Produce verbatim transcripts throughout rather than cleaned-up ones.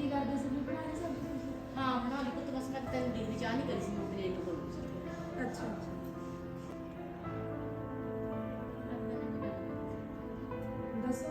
ਕੀ ਕਰਦੇ ਸੀ? ਬਣਾ ਲਈ ਸਬਜ਼ੀ ਤੁਸੀਂ? ਹਾਂ ਬਣਾ ਲਈ ਪੁੱਤ, ਬਸ ਮੈਂ ਤੈਨੂੰ ਦੀ ਚਾਹ ਨਹੀਂ ਕਰੀ ਸੀ, ਮੈਂ ਲੇਟ ਹੋ ਗਈ ਸੀ। ਅੱਛਾ ਅੱਛਾ। ਦੱਸੋ।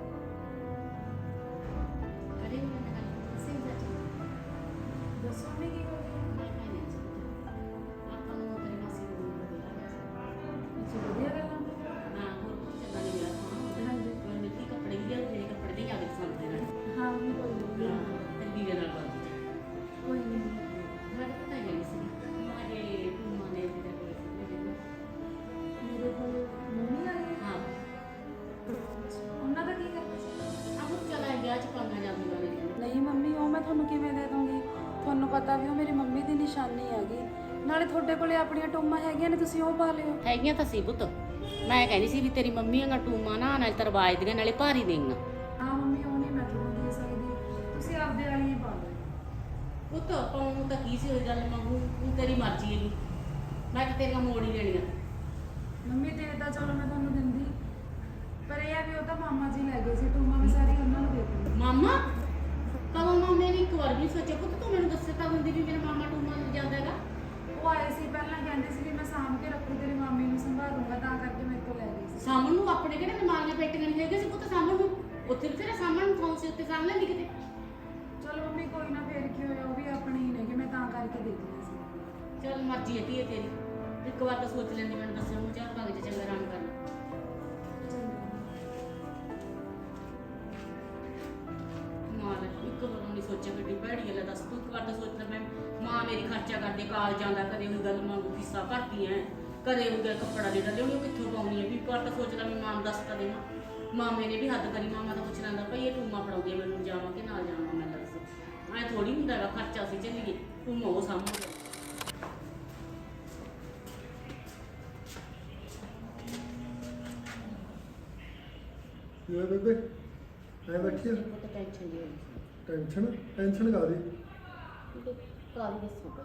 ਕਰੇ ਮੈਂ ਗੱਲ ਸਿੰਘ ਦਾ ਦੱਸੋ ਮੈਂ ਕੀ ਕਰਦੀ ਹਾਂ? ਮੈਂ ਨਹੀਂ ਚਾਹਤਾ ਆਪਾਂ ਨੂੰ ਤੇਰੇ ਮਾਸੀ ਨੂੰ ਬੁਲਾ ਅੱਛਾ ਵਧੀਆ ਗੱਲਾਂ ਤੇ। ਹਾਂ ਹੋਰ ਕੁਝ ਚੱਲਦਾ ਨਹੀਂ ਗਿਆ ਹਾਂ। ਹਾਂਜੀ ਪਰ ਮਿੱਟੀ ਕੱਪੜੇ ਵੀ ਲਿਆ, ਮੇਰੇ ਕੱਪੜੇ ਦੇ ਆ ਗਏ ਸੰਦੇ ਨਾਲ। ਹਾਂ ਮੰਮੀ ਕੋਈ ਨਹੀਂ। ਹਾਂ ਤੇ ਵੀਰੇ ਨਾਲ ਬਾਤ ਕੋਈ ਨਹੀਂ। ਮੈਂ ਤਾਂ ਪਤਾ ਹੀ ਨਹੀਂ ਸੀ ਮਾਰੇ ਟੂਮਾ ਨੇ ਵੀਰੇ ਕੋਲ ਸੀ ਮੇਰੇ ਨਾਲ। ਮੇਰੇ ਕੋਲ ਮੰਮੀ ਆ ਗਈ। ਹਾਂ ਉਹਨਾਂ ਦਾ ਕੀ ਕਰਨਾ ਸੀ? ਆਹ ਚਲਾ ਗਿਆ ਚ ਪਾਣਾ ਜਾਂਦੀ ਵਾਲੇ ਨੇ। ਨਹੀਂ ਮੰਮੀ, ਉਹ ਮੈਂ ਤੁਹਾਨੂੰ ਕਿਵੇਂ ਦੇ ਦੂੰਗੀ? ਤੁਹਾਨੂੰ ਪਤਾ ਵੀ ਉਹ ਮੇਰੀ ਮੰਮੀ ਦੀ ਨਿਸ਼ਾਨੀ ਹੈਗੀ। ਨਾਲੇ ਤੁਹਾਡੇ ਕੋਲੇ ਆਪਣੀਆਂ ਟੂਮਾਂ ਹੈਗੀਆਂ ਨੇ, ਤੁਸੀਂ ਉਹ ਪਾ ਲਿਓ। ਹੈਗੀਆਂ ਤਾਂ ਸੀ ਪੁੱਤ, ਮੈਂ ਕਹਿੰਦੀ ਸੀ ਵੀ ਤੇਰੀ ਮੰਮੀ ਆਂ ਟੂਮਾ ਨਾ ਨਾਲ ਤਰਵਾਜ ਦੀਆਂ ਨਾਲੇ ਭਾਰੀ ਦੇਂਗਾ। ਹਾਂ ਮੰਮੀ, ਉਹ ਨਹੀਂ ਮੈਂ ਤੁਹਾਨੂੰ ਦੇ ਸਕਦੀ, ਤੁਸੀਂ ਆਪਦੇ ਵਾਲੀਆਂ ਪਾ ਲਓ। ਪੁੱਤ ਪਾਉਣ ਨੂੰ ਤਾਂ ਕੀ ਸੀ, ਹੋਈ ਗੱਲ ਮੰਗੂ ਤੂੰ ਤੇਰੀ ਮਰਜ਼ੀ ਹੈਗੀ, ਮੈਂ ਤਾਂ ਤੇਰੀਆਂ ਮੋੜ ਹੀ ਦੇਣੀਆਂ। ਮੰਮੀ ਦੇ ਤਾਂ ਚਲੋ ਮੈਂ ਤੁਹਾਨੂੰ ਦਿੰਦੀ, ਪਰ ਇਹ ਆ ਵੀ ਉਹ ਤਾਂ ਮਾਮਾ ਜੀ ਲੈ ਗਏ ਸੀ ਟੂਮਾਂ, ਮੈਂ ਸਾਰੀ ਉਹਨਾਂ ਨੂੰ ਦੇ ਦਿੰਦੀ। ਮਾਮਾ ਕਦੋਂ ਮਾਮੇ ਨੇ ਇੱਕ ਵਾਰ ਵੀ ਸੋਚਿਆ ਪੁੱਤ ਤੂੰ ਮੈਨੂੰ ਦੱਸੇ ਤਾਂ ਹੁੰਦੀ ਵੀ ਮੇਰਾ ਮਾਮਾ ਟੂਮਾ ਨੂੰ ਜਾਂਦਾ ਹੈਗਾ। ਉਹ ਆਏ ਸੀ ਪਹਿਲਾਂ, ਕਹਿੰਦੇ ਸੀ ਵੀ ਮੈਂ ਸਾਂਭ ਕੇ ਰੱਖੂ, ਤੇਰੀ ਮਾਮੀ ਨੂੰ ਸੰਭਾਲੂੰਗਾ, ਤਾਂ ਕਰਕੇ ਮੇਰੇ ਕੋਲ ਲੈ ਗਏ ਸੀ। ਸਾਹਮਣ ਨੂੰ ਆਪਣੇ ਕਿਹੜੇ ਬਿਮਾਰੀਆਂ ਪੇਟੀਆਂ ਨਹੀਂ ਹੈਗੇ ਸੀ ਪੁੱਤ, ਸਾਹਮਣ ਨੂੰ ਉੱਥੇ ਤੇਰਾ ਸਾਹਮਣ ਨੂੰ ਫੋਨ ਸੀ ਉੱਤੇ ਸਾਹਮਣੇ ਨਹੀਂ ਕਿਤੇ। ਚਲੋ ਮੰਮੀ ਕੋਈ ਨਾ, ਫੇਰ ਕੀ ਹੋਇਆ, ਉਹ ਵੀ ਆਪਣੇ ਹੀ ਨੇ ਕਿ ਮੈਂ ਤਾਂ ਕਰਕੇ ਦੇ ਦਿੱਤੀ ਸੀ। ਚੱਲ ਮਰਜ਼ੀ ਹੈ ਧੀਏ ਤੇਰੀ, ਇੱਕ ਵਾਰ ਤਾਂ ਸੋਚ ਲੈਂਦੀ ਮੈਨੂੰ ਦੱਸਣ ਨੂੰ, ਚਾਰ ਭਾਗ ਚ ਚੰਗਾ ਆਰਾਮ ਕਰ ਲੈ। ਮਾਲ ਇੱਕ ਵਾਰ ਨਹੀਂ ਸੋਚਿਆ ਕਿੱਡੀ ਭੈੜੀ ਗੱਲ ਹੈ, ਦੱਸ ਤੂੰ ਇੱਕ ਵਾਰ ਤਾਂ ਸੋਚ ਲੈ। ਮੈਂ ਮਾਂ ਮੇਰੀ ਖਰਚਾ ਕਰਦੀ ਕਾਲ ਜਾਂਦਾ, ਕਦੇ ਉਹ ਗੱਲ ਮੰਗੂ ਫੀਸਾਂ ਭਰਦੀ ਐ, ਕਦੇ ਉਹ ਗੱਲ ਕੱਪੜਾ ਜਿਹੜਾ ਲਿਆਉਣੀ ਉਹ ਕਿੱਥੋਂ ਪਾਉਣੀ ਹੈ, ਵੀ ਇੱਕ ਵਾਰ ਤਾਂ ਸੋਚ ਲੈ ਮੈਂ ਮਾਂ ਨੂੰ ਦੱਸ ਤਾਂ ਦੇਵਾਂ। ਮਾਮੇ ਨੇ ਵੀ ਹੱਦ ਕਰੀ, ਮਾਮਾ ਤਾਂ ਪੁੱਛ ਲੈਂਦਾ ਭਾਈ ਇਹ ਟੂਮਾ ਫੜਾਉਂਦੀ ਹੈ ਮੈਨੂੰ, ਜਾਵਾਂ ਕਿ ਨਾਲ ਜਾਵਾਂ। ਮੈਂ ਦੱਸ ਐਂ ਥੋੜੀ ਹੁੰਦਾ ਹੈਗਾ, ਖਰਚਾ ਅਸੀਂ ਚੱਲੀਏ ਟੂਮਾ ਉਹ ਸਾਹਮਣੇ। ਯਾਰ ਬੇਬੇ ਐ ਬੈਠੀ ਆ, ਬਹੁਤ ਟੈਨਸ਼ਨ ਦੀ ਹੋਈ ਸੀ। ਟੈਨਸ਼ਨ ਟੈਨਸ਼ਨ ਕਾਹਦੀ? ਉਹ ਕਾਲੀ ਦੱਸੋ ਪਈ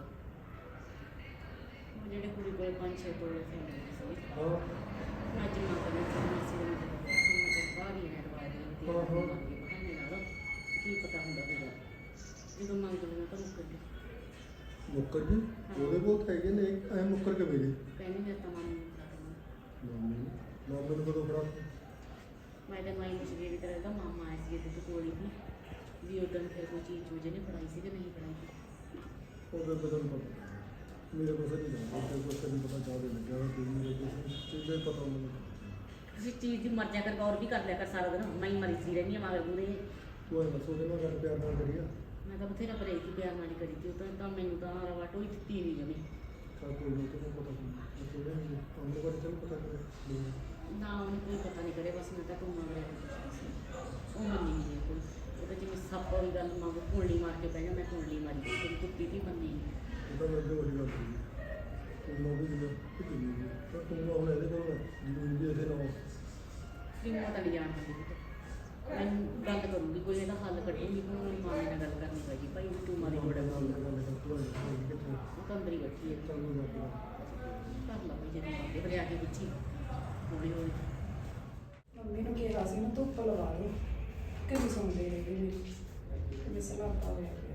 ਜਿਹੜੇ ਕੁੜੀ ਕੋਲ ਪੰਜ ਛੇ ਤੋਲੇ ਸੀ ਹਾਂ ਮੈਂ ਜਮਾ ਕਰਨਾ ਚਾਹੁੰਦੀ ਸੀ, ਮੈਂ ਤਾਂ ਬਾਹਰੀ ਹੈ ਦਵਾ ਦੇ ਤੇ ਹਾਂ, ਹਾਂ। ਬਹਾਨੇ ਨਾਲ ਕੀ ਪਤਾ ਹੁੰਦਾ ਹੋਵੇਗਾ ਜਦੋਂ ਮੰਗ ਲੈਣਾ ਤਾਂ ਮੁੱਕਰ ਗਈ। ਮੁੱਕਰ ਜੀ ਉਹਦੇ ਬਹੁਤ ਹੈਗੇ ਨੇ, ਐ ਮੁੱਕਰ ਕੇ ਮੇਰੀ ਕਹਿੰਦੀ ਮੈਂ ਤਾਂ ਮਾਮੀ ਨੂੰ ਫੜਾ ਦੇਣਾ। ਮਾਮੀ ਮਾਮੇ ਨੂੰ ਕਦੋਂ ਫੜਾ? ਮੈਂ ਤਾਂ ਮਾਈ ਨੂੰ ਸਵੇਰੇ ਦੀ ਤਰ੍ਹਾਂ ਦਾ ਮਾਮਾ ਆਇਆ ਸੀ ਤੇ ਕੋਲੀ ਵੀ ਵੀ ਉਦੋਂ ਫਿਰ ਕੋਈ ਚੀਜ਼ ਚੂਜ਼ ਨੇ ਫੜਾਈ ਸੀ ਕਿ ਨਹੀਂ ਫੜਾਈ। ਉਹਦੇ ਬਦਲ ਪਤਾ ਮੇਰੇ ਕੋਲ ਨਹੀਂ ਜਾਂਦਾ, ਤੇ ਕੁਛ ਨਹੀਂ ਪਤਾ ਚਾਹਦੇ ਲੱਗਿਆ ਕਿ ਮੇਰੇ ਕੋਲ ਚੀਜ਼ੇ ਪਤਾ ਮੈਨੂੰ। ਤੁਸੀਂ ਚੀਜ਼ ਦੀ ਮਰਜ਼ਾ ਕਰ ਗੌਰ ਵੀ ਕਰ ਲਿਆ ਕਰ ਸਾਰਾ ਦਿਨ, ਮੈਂ ਹੀ ਮਰੀ ਸੀ ਰਹਿੰਦੀ ਹਾਂ ਮਗਰ ਮੂਹਰੇ। ਤੂੰ ਐ ਦੱਸੋ ਕਿ ਮੈਂ ਗੱਲ ਪਿਆਰ ਨਾਲ ਕਰੀਆ? ਮੈਂ ਤਾਂ ਬਥੇਰਾ ਪਰੇ ਕੀ ਪਿਆਰ ਨਾਲ ਹੀ ਕਰੀ ਤੀ, ਉਹ ਤਾਂ ਤਾਂ ਮੈਨੂੰ ਤਾਂ ਰਵਾ ਟੋਈ ਦਿੱਤੀ ਨਹੀਂ ਜਮੀ। ਚੱਲ ਕੋਈ ਨਹੀਂ, ਤੈਨੂੰ ਪਤਾ ਨਹੀਂ ਥੋੜੇ ਨਹੀਂ ਉਹਨੂੰ ਬਾਰੇ ਤੈਨੂੰ ਪਤਾ ਕਰੇ ਨਾ ਉਹਨੂੰ ਕੋਈ ਪਤਾ ਨਹੀਂ ਕਰੇ, ਬਸ ਮੈਂ ਤਾਂ ਟੂਮਾ ਵਗੈਰਾ ਪੁੱਛਦੀ ਸੀ, ਉਹ ਮੰਨੀ ਨਹੀਂ ਕੋਈ। ਉਹਦਾ ਜਿਵੇਂ ਸੱਪ ਵਾਲੀ ਗੱਲ ਮੰਗ ਕੁੰਡਲੀ ਮਾਰ ਕੇ ਪੈ ਜਾ, ਮੈਂ ਕੁੰਡਲੀ ਮਾਰੀ ਤੇਰੀ ਕੁੱਤੀ ਦੀ ਮੰਨੀ ਨਹੀਂ। ਉਹਦਾ ਮੈਂ ਅੱਗੇ ਵੱਡੀ ਗੱਲ ਕਰੀ ਤੂੰ ਨਾ ਵੀ ਜਿਵੇਂ ਕਿੰਨੀ ਜੀ ਪਰ ਤੂੰ ਹੁਣ ਇਹਦੇ ਕੋਲ ਜਿਵੇਂ ਵੀ ਇਹਦੇ ਨਾਲ ਵੀ ਮੈਂ ਤਾਂ ਨਹੀਂ ਜਾਣ ਦਿੰਦੀ ਪੁੱਤ, ਮੈਂ ਗੱਲ ਕਰੂੰਗੀ ਕੋਈ ਇਹਦਾ ਹੱਲ ਕੱਢੂੰਗੀ। ਹੁਣ ਮੇਰੀ ਮਾਂ ਨਾਲ ਗੱਲ ਕਰਨੀ ਪੈਗੀ ਭਾਈ ਵੀ ਟੂਮਾ ਦੀ ਲੋੜ ਹੈ। ਨਾਲ ਗੱਲ ਕਰ ਤੂੰ ਕਿੱਥੇ ਉਹ ਤਾਂ ਅੰਦਰ ਹੀ ਬੈਠੀ ਹੈ, ਚੱਲ ਨੂੰ ਜਾ ਕਰ ਲਾ ਵੀ ਜਿਹੜੀ ਮਾਂ ਦੇ ਬਲਿਆ ਕੇ ਪੁੱਛੀ ਹੌਲੀ ਹੌਲੀ। ਮੰਮੀ ਨੂੰ ਕਿਹਾ ਸੀ ਨਾ ਧੁੱਪ ਲਵਾ ਲਓ, ਕਦੀ ਸੁਣਦੇ ਰਹੇ ਮੇਰੀ ਮਿਸਲਾਤਾ ਹੋਇਆ ਪਿਆ।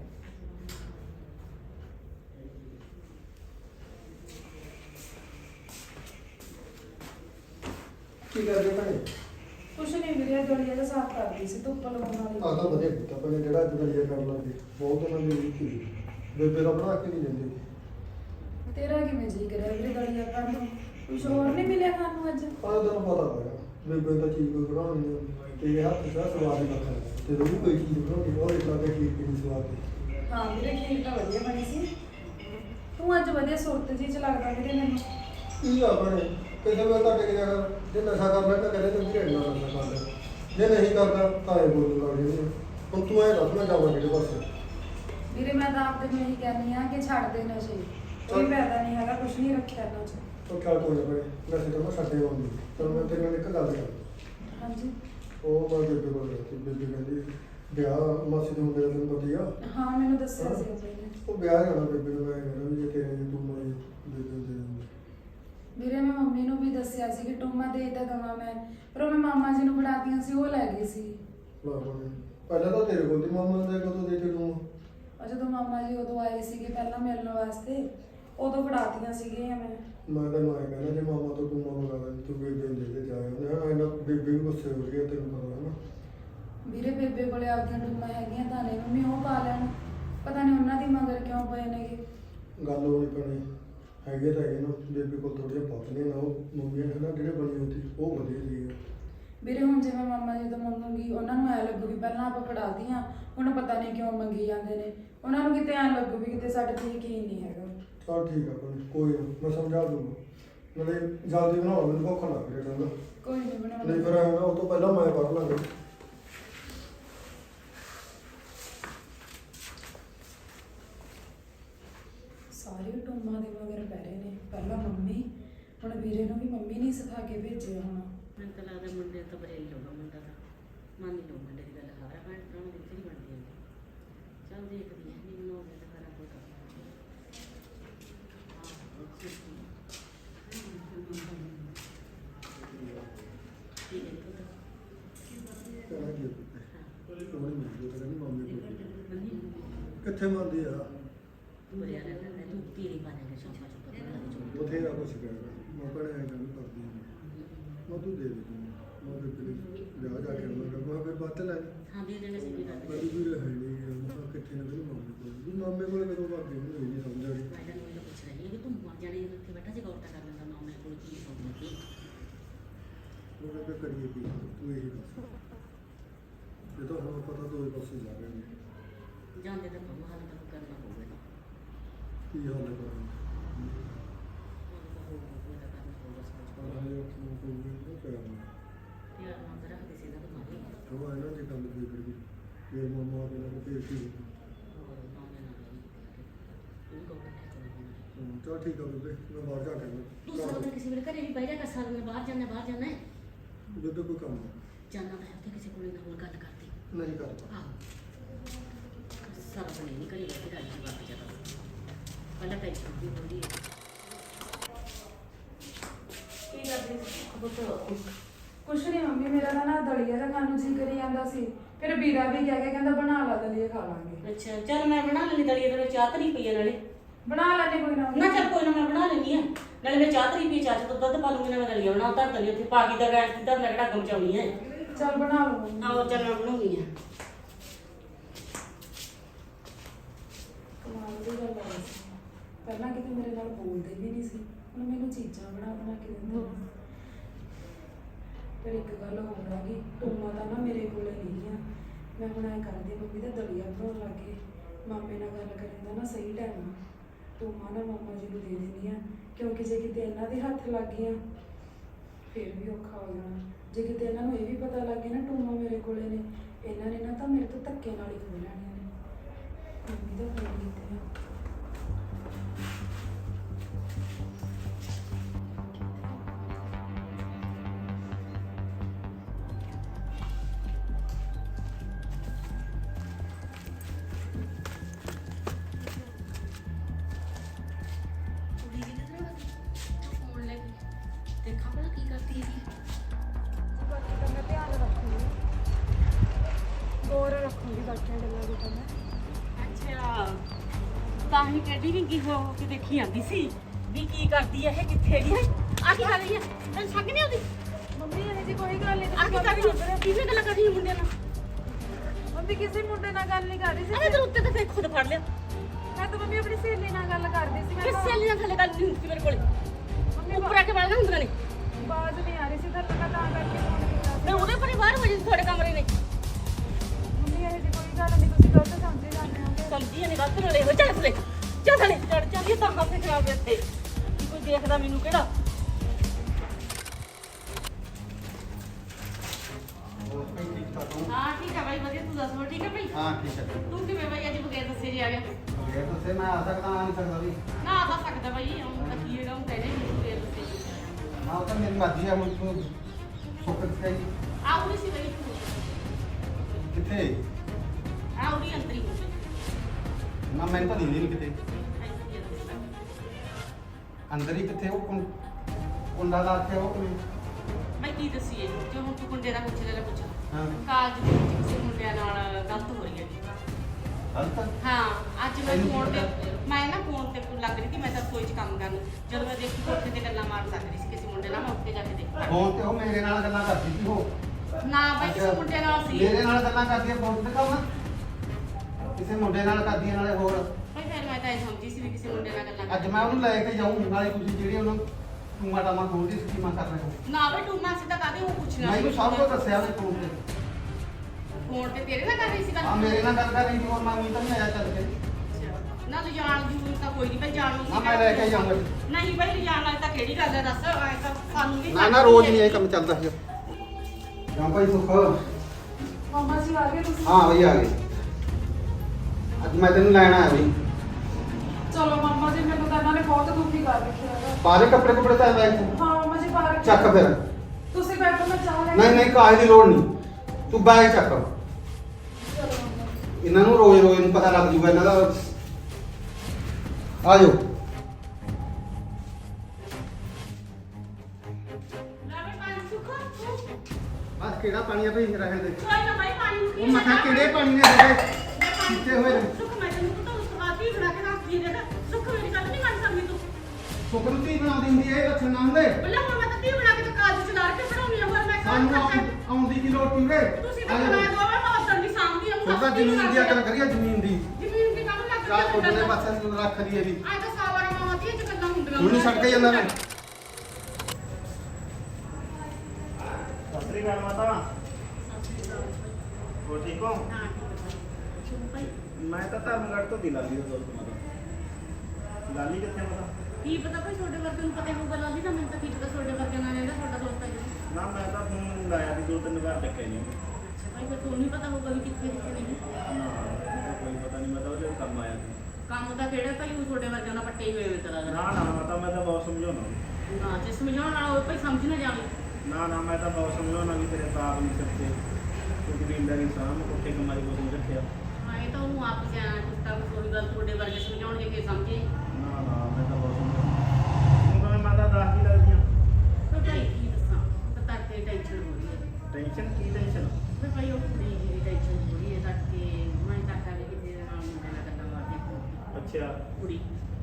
ਕੀ ਕਰਦੇ ਭੈਣੇ? ਕੁਛ ਨਹੀਂ ਵੀਰੇ, ਗਲੀਆਂ ਦਾ ਸਾਫ਼ ਕਰਦੀ ਸੀ, ਧੁੱਪ ਲਵਾਉਣ ਵਾਲੀ। ਆ ਤਾਂ ਵਧੀਆ ਕੀਤਾ ਭੈਣੇ, ਜਿਹੜਾ ਅੱਜ ਗਲੀਆ ਕਰਨ ਲੱਗੇ ਬਹੁਤ ਉਹਨਾਂ ਦੀ ਰੀਤ ਸੀ, ਬੇਬੇ ਦਾ ਬਣਾ ਕੇ ਨਹੀਂ ਦਿੰਦੇ। ਤੇਰਾ ਕਿਵੇਂ ਜੀ ਕਰਿਆ ਵੀਰੇ ਗਲੀਆਂ ਕਰਨ ਨੂੰ? ਕੁਛ ਹੋਰ ਨਹੀਂ ਮਿਲਿਆ ਖਾਣ ਨੂੰ ਅੱਜ? ਆਹ ਤੈਨੂੰ ਪਤਾ ਹੋਇਆ ਬੇਬੇ ਤਾਂ ਚੀਜ਼ ਕੋਈ ਬਣਾਉਣੀ ਨਹੀਂ, ਤੇਰੇ ਹੱਥ ਦਾ ਸਵਾਦ ਹੀ ਰੱਖਣਾ, ਤੇ ਉਹ ਵੀ ਕੋਈ ਚੀਜ਼ ਬਣਾਉਣੀ ਉਹ ਇਦਾਂ ਦੇ ਖੀਰ ਕਿੰਨੀ ਸਵਾਦ ਦੀ। ਹਾਂ ਵੀਰੇ ਖੀਰ ਤਾਂ ਵਧੀਆ ਬਣੀ ਸੀ। ਤੂੰ ਅੱਜ ਵਧੀਆ ਸੁਰਤ ਜੀ ਚ ਲੱਗਦਾ ਵੀਰੇ ਮੈਨੂੰ। ਕੀ ਆ ਭੈਣੇ, ਕਿਸੇ ਵੇਲੇ ਤਾਂ ਟਿਕ ਜਾ ਕਰ, ਜੇ ਨਸ਼ਾ ਕਰਨਾ ਤਾਂ ਕਰੇ ਤਾਂ ਵੀਰੇ ਨਾ ਨਸ਼ਾ ਕਰਦਾ, ਜੇ ਨਹੀਂ ਕਰਦਾ ਤਾਂ ਇਹ ਬੋਲਣ ਲੱਗ ਜਾਂਦੀ। ਹੁਣ ਤੂੰ ਐਂ ਦੱਸ ਮੈਂ ਜਾਵਾਂ ਕਿਹੜੇ ਪਾਸੇ? ਵੀਰੇ ਮੈਂ ਤਾਂ ਆਪਦੇ ਨੂੰ ਇਹੀ ਕਹਿੰਦੀ ਆ ਕਿ ਛੱਡ ਦੇ ਨਸ਼ੇ, ਕੋਈ ਫਾਇਦਾ ਨਹੀਂ ਹੈਗਾ, ਕੁਛ ਨਹੀਂ ਰੱਖਿਆ ਇਹਨਾਂ ਚ। ਉਹ ਚੱਲ ਕੋਈ ਨਾ ਭੈਣੇ, ਨਸ਼ੇ ਤਾਂ ਮੈਂ ਛੱਡੇ ਆਉਂਦੀ, ਤੈਨੂੰ ਮੈਂ ਤੇਰੇ ਨਾਲ ਇੱਕ ਗੱਲ ਕਰ। ਹਾਂਜੀ ਉਹ ਮੈਂ ਬੇਬੇ ਕੋਲ ਗਿਆ ਸੀ, ਬੇਬੇ ਕਹਿੰਦੀ ਵਿਆਹ ਮਾਸੀ ਦੇ ਮੁੰਡੇ ਦਾ ਤੈਨੂੰ ਪਤਾ ਹੀ ਆ। ਹਾਂ ਮੈਨੂੰ ਦੱਸਿਆ ਸੀ ਉਹਨੇ। ਉਹ ਵਿਆਹ ਜਾਣਾ ਬੇਬੇ ਨੂੰ, ਮੈਂ ਕਹਿੰਦਾ ਵੀ ਜੇ ਤੇਰੇ ਤੂੰ ਮਾਈ ਬੇਬੇ ਨੂੰ ਦੇ ਦਿੰਦੀ। ਵੀਰੇ ਮੈਂ ਮੰਮੀ ਨੂੰ ਵੀ ਦੱਸਿਆ ਸੀ ਕਿ ਟੂਮਾ ਦੇ ਤਾਂ ਦਵਾਂ ਮੈਂ, ਪਰ ਉਹ ਮੈਂ ਮਾਮਾ ਜੀ ਨੂੰ ਫੜਾਤੀਆਂ ਸੀ, ਉਹ ਲੈ ਗਏ ਸੀ। ਲਾ ਬਣੇ ਪਹਿਲਾਂ ਤਾਂ ਤੇਰੇ ਕੋਲ ਦੀ ਮਾਮਾ ਦੇ ਕਦੋਂ ਦੇ ਕੇ ਤੂੰ ਆ ਜਦੋਂ ਮਾਮਾ ਜੀ ਉਦੋਂ ਆਏ ਸੀਗੇ ਪਹਿਲਾਂ ਮਿਲਣ ਵਾਸਤੇ ਉਦੋਂ ਫੜਾਤੀਆਂ ਸੀਗੀਆਂ ਮੈਂ ਮੈਂ ਤਾਂ ਨਾ ਕਹਿੰਦਾ ਜੇ ਮਾਮਾ ਤੋਂ ਤੂੰ ਮਾਮਾ ਲਾ ਲੈ ਤੂੰ ਬੇਬੇ ਨੂੰ ਦੇ ਕੇ ਜਾਇਆ ਉਹਨੇ ਇਹਨਾਂ ਬੇਬੇ ਵੀ ਗੁੱਸੇ ਹੋ ਰਹੀ ਹੈ ਤੈਨੂੰ ਪਤਾ ਹੈ ਨਾ। ਵੀਰੇ ਬੇਬੇ ਕੋਲੇ ਆਪਦੀਆਂ ਟੁੰਮਾਂ ਹੈਗੀਆਂ ਤਾਂ ਨੇ ਮੰਮੀ ਉਹ ਪਾ ਲੈਣ ਪਤਾ ਨਹੀਂ ਉਹਨਾਂ ਦੀ ਮਗਰ ਕਿਉਂ ਪਏ ਨੇਗੇ। ਗੱਲ ਹੋਣੀ ਪੈਣੀ ਹੈਗੇ ਤਾਂ ਹੈਗੇ ਨਾ ਬੇਬੇ ਕੋਲ ਥੋੜ੍ਹੀਆਂ ਪੁੱਤ ਨੇ ਨਾ ਉਹ ਮੰਮੀਆਂ ਨੇ ਨਾ ਜਿਹੜੇ ਬਣੀ ਹੁੰਦੀ ਉਹ ਵਧੀਆ ਸੀ। ਵੀਰੇ ਹੁਣ ਜਿਵੇਂ ਮਾਮਾ ਜੀ ਤੋਂ ਮੰਗੂਗੀ ਉਹਨਾਂ ਨੂੰ ਐ ਲੱਗੂ ਵੀ ਪਹਿਲਾਂ ਆਪਾਂ ਫੜਾਤੀਆਂ ਹੁਣ ਪਤਾ ਨਹੀਂ ਕਿਉਂ ਮੰਗੀ ਜਾਂਦੇ ਨੇ ਉਹਨਾਂ ਨੂੰ ਕਿਤੇ ਐ ਲੱਗੂ ਵੀ ਕਿਤੇ ਸਾਡੇ ਤੇ ਯਕੀਨ ਨਹੀਂ ਹੈਗਾ। ਚਲ ਠੀਕ ਆ ਕੋਈ ਕੋਈ ਨਾ ਮੈਂ ਸਮਝਾ ਦੂੰਗਾ ਨਾਲੇ ਜਲਦੀ ਬਣਾਓ ਮੈਨੂੰ ਭੁੱਖ ਲੱਗ ਰਹੀ ਹੈ ਕੋਈ ਨਹੀਂ ਬਣਾ ਨਹੀਂ ਫਿਰ ਆਇਆ ਉਹ ਤੋਂ ਪਹਿਲਾਂ ਮੈਂ ਪੜ੍ਹ ਲਾਂਗਾ। ਸਾਰੇ ਟੁੰਮਾਂ ਦੇ ਮਗਰ ਪੈ ਰਹੇ ਨੇ ਪਹਿਲਾਂ ਮੰਮੀ ਹੁਣ ਵੀਰੇ ਨੂੰ ਵੀ ਮੰਮੀ ਨਹੀਂ ਸਿਖਾ ਕੇ ਭੇਜਿਆ ਹੁਣ। ਮੈਨੂੰ ਤਾਂ ਲੱਗਦਾ ਮੁੰਡੇ ਤੋਂ ਬਰੇਲ ਲਾਉਣਾ ਮੁੰਡਾ ਤਾਂ ਮੰਨ ਹੀ ਲਓ ਮੁੰਡੇ ਦੀ ਗੱਲ ਸਾਰਾ ਭੈਣ ਭਰਾਵਾਂ ਦੀ ਤੇਰੀ ਬਣਦੀ ਹੈ। ਚੱਲ ਦੇਖਦੀ ਹਾਂ ਨਹੀਂ ਨੋ ਦੇ ਸਾਰਾ ਕੋਈ ਕਰਨਾ ਠੀਕ ਹੈ ਪੁੱਤ ਕਹਿਣਾ ਕੀ ਥੋੜੀ ਮਿਲਦੀ ਤੇ ਨਹੀਂ ਮੰਮੀ ਕੋਲ ਕਿੱਥੇ ਮੰਨਦੀ ਆ ਬੁਰਿਆ ਰਹਿੰਦਾ ਤੂੰ ਤੇਰੀ ਬਾਰੇ ਸ਼ਾਮਾ ਚ ਪਤਾ ਨਹੀਂ ਬਥੇਰਾ ਕੁਛ ਕਹਿਣਾ ਮੈਂ ਬੜੇ ਐਂ ਗੱਲ ਕਰਦੀ ਹਾਂ ਮੈਂ ਤੂੰ ਦੇ ਦੇ ਮੈਂ ਤੇ ਕਿਤੇ ਵਿਆਹ ਜਾ ਕੇ ਆਉਂਦਾ ਮੈਂ ਫਿਰ ਬੱਤ ਲੈ ਹਾਂ ਦੇ ਦੇਣੇ ਸੀ ਵੀ ਗੱਲ ਬੜੀ ਵੀ ਹੈ ਨਹੀਂ ਮੈਂ ਕਿੱਥੇ ਨਾ ਕਿਤੇ ਮਾਮੇ ਕੋਲ ਵੀ ਮਾਮੇ ਕੋਲ ਕਦੋਂ ਬਾਕੀ ਨਹੀਂ ਹੋਈ ਸਮਝ ਆ ਗਈ ਮੈਂ ਤਾਂ ਮੈਨੂੰ ਪੁੱਛ ਰਹੀ ਹੈ ਕਿ ਤੂੰ ਮਰ ਜਾਣੇ ਉੱਥੇ ਬੈਠਾ ਸੀ ਗੌਰ ਕਰ ਲੈਂਦਾ ਮਾਮੇ ਕੋਲ ਕੀ ਸੌਂਦਾ ਸੀ ਉਹ ਤੇ ਕਰੀਏ ਕੀ ਤੂੰ ਇਹੀ ਦੱਸ ਇਹ ਤਾਂ ਹੁਣ ਪਤਾ ਦੋਏ ਪਾਸੇ ਜਾ ਰਹੇ ਨੇ ਜਾਂਦੇ ਤਾਂ ਬਹੁਤ ਹਾਲ ਤਾਂ ਕਰਨਾ ਪਊਗਾ ਕੀ ਹਾਲ ਹੈ ਕਰਾਂ ਉਹ ਪਰ ਹਾਲੇ ਉਹ ਕੋਈ ਨਹੀਂ ਪਿਆ ਨਾ ਯਾਰ ਨਾ ਕਰਾ ਕਿਸੇ ਦਾ ਤਾਂ ਮਾਰੀ ਉਹ ਹੈ ਨਾ ਜੇ ਕੰਮ ਦੀ ਕਰੀ ਫਿਰ ਮਾਮਾ ਦੇ ਨਾਲ ਫੇਰ ਕੀ ਚਲ ਠੀਕ ਆ ਬੇਬੇ ਮੈਂ ਬਾਹਰ ਜਾ ਕੇ ਤੂੰ ਸਾਰਾ ਦਿਨ ਕਿਸੇ ਵੇਲੇ ਘਰੇ ਵੀ ਬਹਿ ਜਾ ਕਰ ਸਾਰਾ ਦਿਨ ਬਾਹਰ ਜਾਣਾ ਬਾਹਰ ਜਾਣਾ ਹੈ ਜਦੋਂ ਕੋਈ ਕੰਮ ਜਾਣਾ ਤਾਂ ਹੈ ਤੇ ਕਿਸੇ ਕੋਲੇ ਨਾਲ ਗੱਲ ਕਰਦੀ ਨਹੀਂ ਕਰਦਾ ਆਹ ਸਾਰਾ ਦਿਨ ਨਹੀਂ ਕਰੀ ਬੈਠੀ ਗੱਲ ਦੀ ਬਾਤ ਕਰਦਾ ਪਹਿਲਾਂ ਟੈਨਸ਼ਨ ਵੀ ਹੁੰਦੀ ਹੈ ਕੀ ਕਰਦੀ ਸੀ ਬੁੱਤ ਕੁਛ ਨਹੀਂ ਮੰਮੀ ਮੇਰਾ ਤਾਂ ਨਾ ਦਲੀਆ ਦਾ ਖਾਣ ਨੂੰ ਜੀ ਕਰੀ ਜਾਂਦਾ ਸੀ ਫਿਰ ਵੀਰਾ ਵੀ ਕਹਿ ਕੇ ਕਹਿੰਦਾ ਬਣਾ ਲਾ ਦਲੀਆ ਖਾ ਲਾਂਗੇ। ਅੱਛਾ ਚੱਲ ਮੈਂ ਬਣਾ ਲੈਣੀ ਦਲੀਆ ਤੇ ਚਾਹ ਤਰੀ ਪਈ ਆ ਨਾਲੇ ਬਣਾ ਲੈਣੇ ਕੋਈ ਨਾ ਨਾ ਚੱਲ ਕੋਈ ਨਾ ਮੈਂ ਬਣਾ ਲੈਣੀ ਆ ਨਾਲੇ ਮੈਂ ਚਾਹ ਤਰੀ ਪੀ ਚਾਹ ਚ ਦੁੱਧ ਪਾ ਲੂੰਗੀ ਨਾ ਮੈਂ ਦਲੀਆ ਬਣਾ ਧਰ ਦਲੀ ਉੱਥੇ ਪਾ ਕੇ ਦਾ ਗੈਸ ਦੀ ਧਰ ਲੈ ਕੇ ਢੱਕਣ ਚਾਉਣੀ ਹੈ ਚੱਲ ਬਣਾ ਲਓ ਮੰਮੀ। ਆਹੋ ਚੱਲ ਮੈਂ ਬਣਾਉਣੀ ਆ ਕਮਾਲ ਦੀ ਗੱਲ ਹੈ ਵੈਸੇ। ਪਹਿਲਾਂ ਕਿਤੇ ਮੇਰੇ ਨਾਲ ਬੋਲਦੇ ਵੀ ਨਹੀਂ ਸੀ ਹੁਣ ਮੈਨੂੰ ਚੀਜ਼ਾਂ ਬਣਾ ਬਣਾ ਕੇ ਦਿੰਦੇ ਨੇ। ਪਰ ਇੱਕ ਗੱਲ ਹੋਰ ਆ ਗਈ ਟੂਮਾ ਤਾਂ ਨਾ ਮੇਰੇ ਕੋਲੇ ਨਹੀਂ ਆ ਮੈਂ ਹੁਣ ਐ ਕਰਦੀ ਮੰਮੀ ਦਾ ਦਲੀਆ ਬਣਾਉਣ ਲੱਗੇ ਮਾਮੇ ਨਾਲ ਗੱਲ ਕਰਨ ਦਾ ਨਾ ਸਹੀ ਟਾਈਮ ਆ ਟੂਮਾ ਨਾ ਮਾਮਾ ਜੀ ਨੂੰ ਦੇ ਦਿੰਦੀ ਆ ਕਿਉਂਕਿ ਜੇ ਕਿਤੇ ਇਹਨਾਂ ਦੇ ਹੱਥ ਲੱਗ ਗਈਆਂ ਫਿਰ ਵੀ ਔਖਾ ਹੋ ਜਾਣਾ ਜੇ ਕਿਤੇ ਇਹਨਾਂ ਨੂੰ ਇਹ ਵੀ ਪਤਾ ਲੱਗ ਗਿਆ ਨਾ ਟੂਮਾ ਮੇਰੇ ਕੋਲੇ ਨੇ ਇਹਨਾਂ ਨੇ ਨਾ ਤਾਂ ਮੇਰੇ ਤੋਂ ਧੱਕੇ ਨਾਲ ਹੀ ਖੋਹ ਲੈਣੀਆਂ ਨੇ ਮੰਮੀ ਦਾ ਫੋਨ ਕਿੱਥੇ ਆ ਦੇਖਾਂ ਭਲਾ ਕੀ ਕਰਦੀ ਹੈ ਬਾਕੀ ਤਾਂ ਮੈਂ ਧਿਆਨ ਰੱਖੂੰਗੀ ਗੌਰ ਰੱਖੂੰਗੀ ਬਾਕੀਆਂ ਗੱਲਾਂ ਦੀ ਤਾਂ ਮੈਂ ਅੱਛਾ ਤਾਂ ਹੀ ਕੱਢੀ ਨਹੀਂ ਕੀ ਹੋ ਹੋ ਕੇ ਦੇਖੀ ਆਂਦੀ ਸੀ ਵੀ ਕੀ ਕਰਦੀ ਹੈ ਇਹ ਕਿੱਥੇ ਗਈ ਹੈ ਆ ਕੀ ਕਰ ਰਹੀ ਹੈ ਤੈਨੂੰ ਸੰਗ ਨਹੀਂ ਆਉਂਦੀ ਮੰਮੀ ਇਹ ਜੀ ਕੋਈ ਗੱਲ ਨਹੀਂ ਆ ਕੀ ਕਰ ਰਹੀ ਹੈ ਕਿਹਨੇ ਗੱਲ ਕਰ ਰਹੀ ਹੈ ਮੁੰਡੇ ਨਾਲ ਮੰਮੀ ਕਿਸੇ ਮੁੰਡੇ ਨਾਲ ਗੱਲ ਨਹੀਂ ਕਰ ਰਹੀ ਸੀ ਅਰੇ ਤੂੰ ਉੱਤੇ ਤਾਂ ਫੇਰ ਖੁਦ ਫੜ ਲਿਆ ਮੈਂ ਤਾਂ ਮੰਮੀ ਆਪਣੀ ਸਹੇਲੀ ਨਾਲ ਗੱਲ ਕਰਦੀ ਸੀ ਮੈਂ ਕਿਸੇ ਲਈ ਨਾਲ ਗੱਲ ਨਹੀਂ ਹੁੰਦੀ ਮੇਰੇ ਕੋਲ ਮੰਮੀ ਉੱਪਰ ਆ ਕੇ ਬੈਠ ਹੁੰਦੀਆਂ ਨੇ ਆਵਾਜ਼ ਨਹੀਂ ਆ ਰਹੀ ਸੀ ਤਾਂ ਮੈਂ ਤਾਂ ਕਰਕੇ ਫੋਨ ਕੀਤਾ ਮੈਂ ਉਹਦੇ ਪਰੇ ਬਾਹਰ ਵਜੇ ਤੁਹਾਡੇ ਕਮਰੇ ਨੇ ਮੰਮੀ ਇਹ ਜੀ ਕੋਈ ਗੱਲ ਨਹੀਂ ਤੁਸੀਂ ਗਲਤ ਸਮਝੇ ਜਾਂਦੇ ਹੋ ਸਬਜ਼ੀ ਨਹੀਂ ਗਲਤ ਰਲੇ ਹੋ ਚੱਲ ਥਲੇ ਚੱਲ ਥਲੇ ਚੜ ਚੱਲੀ ਤਾਂ ਹੱਥ ਖਰਾਬ ਹੈ ਇੱਥੇ ਕੋਈ ਦੇਖਦਾ ਮੈਨੂੰ ਕਿਹੜਾ ਹਾਂ ਠੀਕ ਹੈ ਭਾਈ ਵਧੀਆ ਤੂੰ ਦੱਸ ਹੋਰ ਠੀਕ ਹੈ ਭਾਈ ਹਾਂ ਠੀਕ ਹੈ ਤੂੰ ਕਿਵੇਂ ਭਾਈ ਅੱਜ ਬਗੈਰ ਦੱਸੇ ਜੀ ਆ ਗਿਆ ਇਹ ਤਾਂ ਸੇ ਮੈਂ ਆ ਸਕਦਾ ਆ ਨਹੀਂ ਸਕਦਾ ਵੀ ਨਾ ਆ ਤਾਂ ਸਕਦਾ ਭਾਈ ਹੁਣ ਤਾਂ ਕੀ ਹੈਗਾ ਹੁਣ ਕਹਿੰਦੇ ਨਹੀਂ ਬਗੈਰ ਦੱਸੇ ਜੀ ਨਾ ਉਹ ਤਾਂ ਮੇਰੀ ਮਰਜ਼ੀ ਆ ਹੁਣ ਤੂੰ ਸੁੱਕਤ ਕਹੀ ਆਉਣੀ ਸੀ ਭਾਈ ਕਿੱਥੇ ਆਉਣੀ ਅੰਤਰੀ ਨਾ ਮੈਨੂੰ ਤਾਂ ਦਿੰਦੀ ਨਹੀਂ ਕਿਤੇ ਅੰਦਰ ਹੀ ਕਿੱਥੇ ਉਹ ਕੁੰ- ਕੁੰਡਾ ਲਾ ਕੇ ਉਹ ਕੋਈ ਮੈਂ ਕੀ ਦੱਸੀਏ ਜੋ ਹੁਣ ਤੂੰ ਕੁੰਡੇ ਦਾ ਪੁੱਛ ਲੈ ਲੈ ਪੁੱਛ ਹਾਂ ਕਾਲਜ ਦੇ ਵਿੱਚ ਕਿਸੇ ਮੁੰਡਿਆਂ ਨਾਲ ਗਲਤ ਹੋ ਰਹੀ ਹੈ ਹਲਤ ਹਾਂ ਅੱਜ ਮੈਂ ਤੈਨੂੰ ਕੀ ਫੋਨ ਤੇ ਪਤਾ? ਮੈਂ ਨਾ ਫੋਨ ਤੇ ਲੱਗ ਰਹੀ ਸੀ ਮੈਂ ਤਾਂ ਕੋਈ ਚ ਕੰਮ ਕਰਨ ਜਦੋਂ ਮੈਂ ਦੇਖੀ ਕੋਠੇ ਤੇ ਗੱਲਾਂ ਮਾਰਨ ਲੱਗ ਰਹੀ ਸੀ ਕਿਸੇ ਮੁੰਡੇ ਨਾਲ ਮੈਂ ਉੱਠ ਕੇ ਜਾ ਕੇ ਦੇਖਿਆ ਫੋਨ ਤੇ ਉਹ ਮੇਰੇ ਨਾਲ ਗੱਲਾਂ ਕਰਦੀ ਸੀ ਉਹ ਨਾ ਬਾਈ ਕਿਸੇ ਮੁੰਡੇ ਨਾਲ ਸੀ ਮੇਰੇ ਨਾਲ ਗੱਲਾਂ ਕਰਦੀ ਹੈ ਫੋਨ ਤੇ ਕੰਮ ਕਿਸੇ ਮੁੰਡੇ ਨਾਲ ਕਰਦੀ ਹੈ ਨਾਲੇ ਹੋਰ ਭਾਈ ਫਿਰ ਮੈਂ ਤਾਂ ਇਹ ਸਮਝੀ ਸੀ ਵੀ ਕਿਸੇ ਮੁੰਡੇ ਨਾਲ ਗੱਲਾਂ ਅੱਜ ਮੈਂ ਉਹਨੂੰ ਲੈ ਕੇ ਜਾਊਂ ਨਾਲੇ ਤੁਸੀਂ ਜਿਹੜੇ ਉਹਨਾਂ ਟੂਮਾ ਟਾਮਾ ਖੋਲਦੀ ਸਕੀਮਾਂ ਕਰ ਰਹੇ ਹੋ ਨਾ ਬਈ ਤੂੰ ਮੈਂ ਸਿੱਧਾ ਕਾਹਦੇ ਉਹ ਪੁੱਛਣਾ ਮੈਂ ਇਹਨੂੰ ਸਭ ਕੁਝ ਦੱਸਿਆ ਉਹਦੇ ਫੋਨ ਤੇ ਫੋਨ ਤੇ ਤੇਰੇ ਨਾਲ ਕਰ ਰਹੀ ਸੀ ਗੱਲ ਆ ਮੇਰੇ ਨਾਲ ਗੱਲ ਕਰ ਰਹੀ ਸੀ ਹੋਰ ਮੈਂ ਉਹੀ ਤਾਂ ਨਹੀਂ ਆਇਆ ਚੱਲ ਕੇ ਨਾ ਲਿਜਾਣ ਦੀ ਤਾਂ ਕੋਈ ਨਹੀਂ ਭਾਈ ਜਾਣ ਨੂੰ ਨਾ ਮੈਂ ਲੈ ਕੇ ਜਾਊਂਗਾ ਨਹੀਂ ਭਾਈ ਲਿਜਾਣ ਵਾਲੀ ਤਾਂ ਕਿਹੜੀ ਗੱਲ ਹੈ ਦੱਸ ਐਂ ਤਾਂ ਸਾਨੂੰ ਵੀ ਨਾ ਨਾ ਰੋਜ਼ ਨਹੀਂ ਇਹ ਕੰਮ ਚੱਲਦਾ ਹੈ ਜਾਂ ਭਾਈ ਸੁੱਖ ਮਾਮਾ ਜੀ ਆ ਗਏ ਤੁਸੀਂ? ਹਾਂ ਬਈ ਆ ਗਏ ਅੱਜ ਮੈਂ ਤੈਨੂੰ ਲੈਣ ਆਇਆ ਬਈ ਚਲੋ ਮਾਮਾ ਜੀ, ਮੈਨੂੰ ਤਾਂ ਇਹਨਾਂ ਨੇ ਬਹੁਤ ਦੁਖੀ ਕਰ ਰੱਖਿਆ ਹੈਗਾ। ਪਾਰੇ ਕੱਪੜੇ ਕੁਪੜੇ ਤਾਂ ਬੈਗ ਚ ਹਾਂ ਮਾਮਾ ਜੀ, ਪਾ ਰੱਖਿਆ। ਚੱਕ ਫਿਰ ਤੁਸੀਂ ਬੈਠੋ, ਮੈਂ ਚਾਹ ਲੈ ਨਹੀਂ ਨਹੀਂ ਕਾਹਦੀ ਦੀ ਲੋੜ ਨਹੀਂ ਤੂੰ ਬੈਗ ਚੱਕ ਚਲੋ ਮਾਮਾ ਜੀ। ਇਹਨਾਂ ਨੂੰ ਰੋਜ਼ ਰੋਜ਼ ਨੂੰ ਪਤਾ ਲੱਗ ਜੂਗਾ ਇਹਨਾਂ ਦਾ ਆ ਜਾਓ ਲੈ ਬਈ ਪਾਣੀ ਸੁੱਕਾ ਬਸ ਕਿਹੜਾ ਪਾਣੀ ਆ ਭਈ ਰਹਿਣ ਦੇ ਕੋਈ ਨਾ ਭਾਈ ਪਾਣੀ ਨੂੰ ਉਹ ਮੱਥਾ ਕਿਹੜੇ ਪਾਣੀ ਨੇ ਸਾਡੇ ਕੀਤੇ ਹੋਏ ਨੇ ਸੁੱਖ ਮੈਂ ਤੈਨੂੰ ਪਤਾ ਉਸ ਤੋਂ ਬਾਅਦ ਵੀ ਬਣਾ ਕੇ ਰੱਖਦੀ ਹੈ ਨਾ ਸੁੱਖ ਮੇਰੀ ਗੱਲ ਨਹੀਂ ਮੰਨ ਸਕਦੀ ਤੂੰ ਸੁਕਰਤੀ ਬਣਾਉਂਦੀ ਹੁੰਦੀ ਹੈ ਇਹ ਲੱਛਣ ਨਾ ਹੁੰਦੇ ਬੱਲਾ ਹੁਣ ਮੈਂ ਤਾਂ ਤੀ ਬਣਾ ਕੇ ਤਾਂ ਕਾਜ ਚਲਾ ਕੇ ਬਣਾਉਣੀ ਆ ਹੋਰ ਮੈਂ ਸਾਨੂੰ ਕੰਮ ਕਰਦਾ ਆਉਂ- ਆਉਂਦੀ ਕੀ ਲੋੜ ਪੀ ਵੇ ਤੁਸੀਂ ਤਾਂ ਬਣਾਇਆ ਦੋਵੇਂ ਮੈਂ ਉਦੋਂ ਦੀ ਸਾਂਭਦੀ ਹਾਂ ਉਹਦਾ ਜ਼ਮੀਨ ਦੀ ਅਕਲ ਕਰੀਏ ਜ਼ਮੀਨ ਦੀ ਜ਼ਮੀਨ ਦੀ ਕੰਮ ਲੱਗ ਚਾਹ ਗਿਆ ਉਹਦੇ ਪਾਸੇ ਨੂੰ ਰੱਖ ਦੀ ਇਹਦੀ ਆ ਤਾਂ ਸਾਵਰਾ ਮਾਮਾ ਦੀਆਂ ਚ ਗੱਲਾਂ ਹੁੰਦੀਆਂ ਹੁਣ ਨਹੀਂ ਛੱਡ ਕੇ ਜਾਂਦਾ ਮੈਂ ਸਤਿ ਸ੍ਰੀ ਅਕਾਲ ਮਾਤਾ ਹੋ ਠੀਕ ਹੋ ਹਾਂ ਠੀਕ ਹੈ ਭਾਈ ਮੈਂ ਤਾਂ ਧਰਮਗੜ੍ਹ ਤੋਂ ਦਿਲਾਲੀ ਦਾ ਦੋਸਤ ਮਾਤਾ ਲਾਲੀ ਕਿੱਥੇ ਮਾਤਾ ਕੀ ਪਤਾ ਭਾਈ ਤੁਹਾਡੇ ਵਰਗੇ ਨੂੰ ਪਤਾ ਹੋਊਗਾ ਲਾਲੀ ਤਾਂ ਮੈਨੂੰ ਤਾਂ ਕੀ ਪਤਾ ਤੁਹਾਡੇ ਵਰਗੇ ਨਾਲ ਇਹਦਾ ਤੁਹਾਡਾ ਦੋਸਤ ਹੈ ਜੀ ਨਾ ਮੈਂ ਤਾਂ ਫੋਨ ਲਾਇਆ ਸੀ ਦੋ ਤਿੰਨ ਵਾਰ ਚੱਕਿਆ ਨਹੀਂ ਅੱਛਾ ਭਾਈ ਫਿਰ ਤੁਹਾਨੂੰ ਨਹੀਂ ਪਤਾ ਹੋਊਗਾ ਵੀ ਕਿੱਥੇ ਕਿੱਥੇ ਨਹੀਂ ਨਾ ਮੈਨੂੰ ਤਾਂ ਕੋਈ ਪਤਾ ਨਹੀਂ ਮੈਂ ਤਾਂ ਉਹਦੇ ਕੰਮ ਆਇਆ ਸੀ ਕੰਮ ਤਾਂ ਕਿਹੜਾ ਭਾਈ ਉਹ ਤੁਹਾਡੇ ਵਰਗੇ ਨਾਲ ਪੱਟੇ ਹੀ ਹੋਏ ਹੋਏ ਤਰ੍ਹਾਂ ਦਾ ਨਾ ਨਾ ਮਾਤਾ ਮੈਂ ਤਾਂ ਬਹੁਤ ਸਮਝਾਉਣਾ ਹਾਂ ਜੇ ਸਮਝਾਉਣ ਨਾਲ ਉਹ ਭਾਈ ਸਮਝ ਨਾ ਜਾਵੇ ਨਾ ਨਾ ਮੈਂ ਤਾਂ ਬਹੁਤ ਸਮਝਾਉਣਾ ਵੀ ਤੇਰੇ ਬਾਪ ਨਹੀਂ ਸਕਦੇ ਤੂੰ ਜ਼ਿੰਦਗੀ ਸਾਹਮ ਕੋਠੇ ਕਮਾਈ ਕੋਲ ਨਹੀਂ ਰੱਖਿਆ ਹਾਂ ਇਹ ਤਾਂ ਉਹਨੂੰ ਆਪ ਜਾਣਾ ਕੁੱਤਾ ਕੋਈ ਗੱਲ ਤੁਹਾਡੇ ਵਰਗੇ ਸਮਝਾਉਣਗੇ ਕਿ ਸਮਝੇ ਨਾ ਨਾ ਮੈਂ ਤਾਂ ਬਹੁਤ ਸਮਝਾਉਣਾ ਤੂੰ ਕਹਿੰਦਾ ਮਾਤਾ ਦੱਸ ਕੀ ਲੱਗਦੀ ਆ ਪਰ ਭਾਈ ਕੀ ਦੱਸਾਂ ਤਾਂ ਤੜਕੇ ਟੈਨਸ਼ਨ ਹੋ ਰਹੀ ਹੈ ਟੈਨਸ਼ਨ ਕੀ ਟੈਨਸ਼ਨ ਫਿਰ ਭਾਈ ਉਹ ਕੁੜੀ ਦੀ ਟੈਨਸ਼ਨ ਹੋ ਰਹੀ ਹੈ ਤੜਕੇ ਮੈਂ ਤੜਕਾ ਵੀ ਕਿਤੇ ਨਾਲ ਮੁੰਡੇ ਨਾਲ ਗੱਲਾਂ ਮਾਰਦੇ ਅੱਛਾ ਕੁੜੀ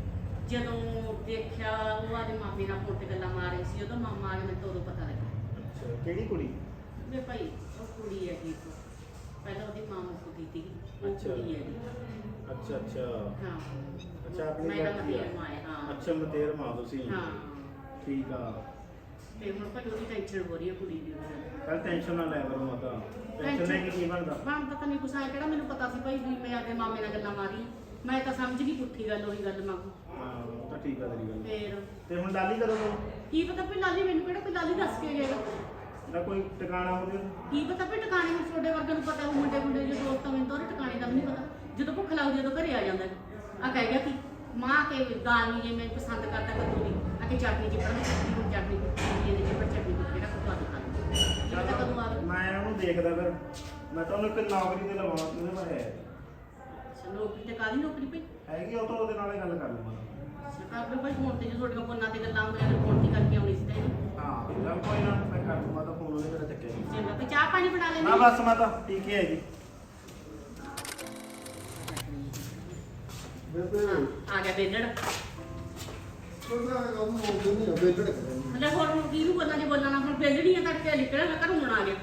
ਜਦੋਂ ਦੇਖਿਆ ਉਹ ਆਦੇ ਮਾਮੇ ਨਾਲ ਫੋਨ ਤੇ ਗੱਲਾਂ ਮਾਰ ਰਹੀ ਸੀ ਉਦੋਂ ਮਾਮਾ ਆ ਗਿਆ ਮੈਨੂੰ ਤਾਂ ਉਦੋਂ ਪਤਾ ਲੱਗਾ ਅੱਛਾ ਕਿਹੜੀ ਕੁੜੀ ਵੇ ਭਾਈ ਉਹ ਕੁੜੀ ਹੈ ਠੀਕ ਪਹਿਲਾਂ ਉਹਦੀ ਮਾਂ ਮੁੱਕ ਗਈ ਸੀ ਉਹ ਅੱਛਾ। ਕੁੜੀ ਹੈ ਜੀ ਅੱਛਾ ਅੱਛਾ ਹਾਂ ਅੱਛਾ ਆਪਣੀ ਮੈਂ ਤਾਂ ਲੜਕੀ ਆ। ਮਤੇਰ ਮਾਂ ਹੈ ਹਾਂ ਅੱਛਾ ਮਤੇਰ ਮਾਂ ਤੁਸੀਂ ਹਾਂ ਠੀਕ ਆ ਤੇ ਹੁਣ ਭਾਈ ਉਹਦੀ ਟੈਨਸ਼ਨ ਹੋ ਰਹੀ ਹੈ ਕੁੜੀ ਦੀ ਉਹਦੇ ਨਾਲ। ਕੱਲ ਟੈਨਸ਼ਨ ਨਾ ਲੈ ਕਰੋ ਮਾਤਾ ਟੈਨਸ਼ਨ ਲੈ ਕੇ ਕੀ ਬਣਦਾ ਬਣਦਾ ਤਾਂ ਨਹੀਂ ਕੁਛ ਆਇਆ ਕਿਹੜਾ ਮੈਨੂੰ ਪਤਾ ਸੀ ਭਾਈ ਵੀ ਮੈਂ ਆਪਣੇ ਮਾਮੇ ਨਾਲ ਗੱਲਾਂ ਮਾਰੀ ਮੈਂ ਤਾਂ ਸਮਝ ਗਈ ਪੁੱਠੀ ਗੱਲ ਉਹੀ ਗੱਲ ਮੰਗੂ ਹਾਂ ਉਹ ਤਾਂ ਠੀਕ ਆ ਤੇਰੀ ਗੱਲ ਫੇਰ ਤੇ ਹੁਣ ਲਾਲੀ ਕਦੋਂ ਕੀ ਪਤਾ ਵੀ ਲਾਲੀ ਮੈਨੂੰ ਕਿਹੜਾ ਕੋਈ ਲਾਲੀ ਦੱਸ ਕੇ ਗਿਆ ਦਾ ਕੋਈ ਟਿਕਾਣਾ ਹੋਵੇ ਕੀ ਪਤਾ ਵੀ ਟਿਕਾਣੇ ਨੂੰ ਤੁਹਾਡੇ ਵਰਗੇ ਨੂੰ ਪਤਾ ਉਹ ਮੁੰਡੇ ਮੁੰਡੇ ਜੋ ਦੋਸਤ ਆ ਮੈਨੂੰ ਤਾਂ ਉਹਦੇ ਟਿਕਾਣੇ ਦਾ ਵੀ ਨਹੀਂ ਪਤਾ ਜਦੋਂ ਭੁੱਖ ਲੱਗਦੀ ਜਦੋਂ ਘਰੇ ਆ ਜਾਂਦਾ ਆ ਕਹਿ ਗਿਆ ਕਿ ਮਾਂ ਕੇ ਦਾਲ ਨਹੀਂ ਜੇ ਮੈਂ ਪਸੰਦ ਕਰਦਾ ਕੱਦੂ ਦੀ ਆ ਕੇ ਚਟਨੀ ਚ ਪੜ੍ਹਨੀ ਚਟਨੀ ਨੂੰ ਚਟਨੀ ਕੁੱਟੀ ਇਹਦੇ ਚ ਪਰ ਚਟਨੀ ਕੁੱਟੀ ਕਿਹੜਾ ਕੁੱਤਾ ਦਿਖਾ ਚੱਲ ਕਦੋਂ ਆ ਮੈਂ ਉਹਨੂੰ ਦੇਖਦਾ ਫਿਰ ਮੈਂ ਤਾਂ ਉਹਨੂੰ ਇੱਕ ਨੌਕਰੀ ਤੇ ਲਵਾਉਣਾ ਉਹਦੇ ਬਾਰੇ ਅੱਛਾ ਨੌਕਰੀ ਤੇ ਕਾਹਦੀ ਨੌਕਰੀ ਪਈ ਹੈਗੀ ਉਹ ਤਾਂ ਉਹਦੇ ਨਾਲ ਹੀ ਗੱਲ ਕਰ ਲਵਾਂ ਸਰਕਾਰ ਦੇ ਭਾਈ ਫੋਨ ਤੇ ਜੋ ਤੁਹਾਡੀਆਂ ਫੋਨਾਂ ਤੇ ਗੱਲਾਂ ਹੁੰਦੀਆਂ ਨੇ ਫੋਨ ਤੇ ਕਰਕੇ ਆਉਣੀ ਸੀ ਤੈਨੂੰ ਹਾਂ ਚੱਲ ਕੋਈ ਨਾ ਮੈਂ ਕਰ ਦੂੰਗਾ ਤਾਂ ਫੋਨ ਉਹਨੇ ਮੇਰਾ ਚੱਕਿਆ ਨਹੀਂ ਚੰਗਾ ਤੇ ਚਾਹ ਪਾਣੀ ਬਣਾ ਲੈਣੀ ਨਾ ਬਸ ਮੈਂ ਤਾਂ ਠੀਕ ਹੀ ਹੈਗੀ ਬੇਬੇ ਆ ਗਿਆ ਬੇਲੜ ਉਹਦਾ ਕੰਮ ਹੋ ਨਹੀਂ ਬੇਟੜ ਕਰੇ ਹਲੇ ਹੋਰ ਹੁਣ ਕਿਹਨੂੰ ਬੋਲਣਾ ਜੇ ਬੋਲਣਾ ਹੁਣ ਬੇਲੜੀ ਆ ਤੜਕੇ ਨਿਕਲਿਆ ਮੈਂ ਘਰੋਂ ਹੁਣ ਆ ਗਿਆ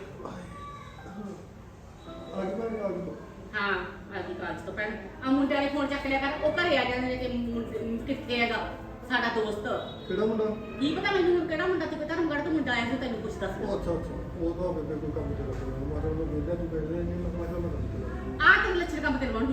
ਅੱਜ ਮੈਂ ਆ ਗਿਆ ਹਾਂ ਆਦੀ ਕਾਲਜ ਤੋਂ ਪਹਿਲਾਂ ਆ ਮੁੰਡਿਆਂ ਨੇ ਫੋਨ ਚੱਕ ਲਿਆ ਕਰ ਉਹ ਘਰੇ ਆ ਜਾਂਦੇ ਨੇ ਕਿ ਮੁੰਡੇ- ਕਿੱਥੇ ਹੈਗਾ ਸਾਡਾ ਦੋਸਤ ਕਿਹੜਾ ਮੁੰਡਾ ਕੀ ਪਤਾ ਮੈਨੂੰ ਕਿਹੜਾ ਮੁੰਡਾ ਤੇ ਧਰਮਗੜ੍ਹ ਤੋਂ ਮੁੰਡਾ ਆਇਆ ਸੀ ਤੈਨੂੰ ਕੁਛ ਦੱਸ ਉਹ ਅੱਛਾ ਅੱਛਾ ਉਹ ਤਾਂ ਬੇਬੇ ਕੋਈ ਕੰਮ ਤੇ ਲੱਗਿਆ ਮੈਂ ਤਾਂ ਉਹਨੂੰ ਵੇਖਿਆ ਤੂੰ ਕਹਿੰਦੇ ਨਹੀਂ ਮੈਂ ਕਿਹਾ ਮੈਂ ਕੰਮ ਤੇ ਲੱਗਿਆ ਆ ਤੇਰੇ ਲੱਛਣ ਕੰਮ ਤੇ ਲਵਾਉਣੀ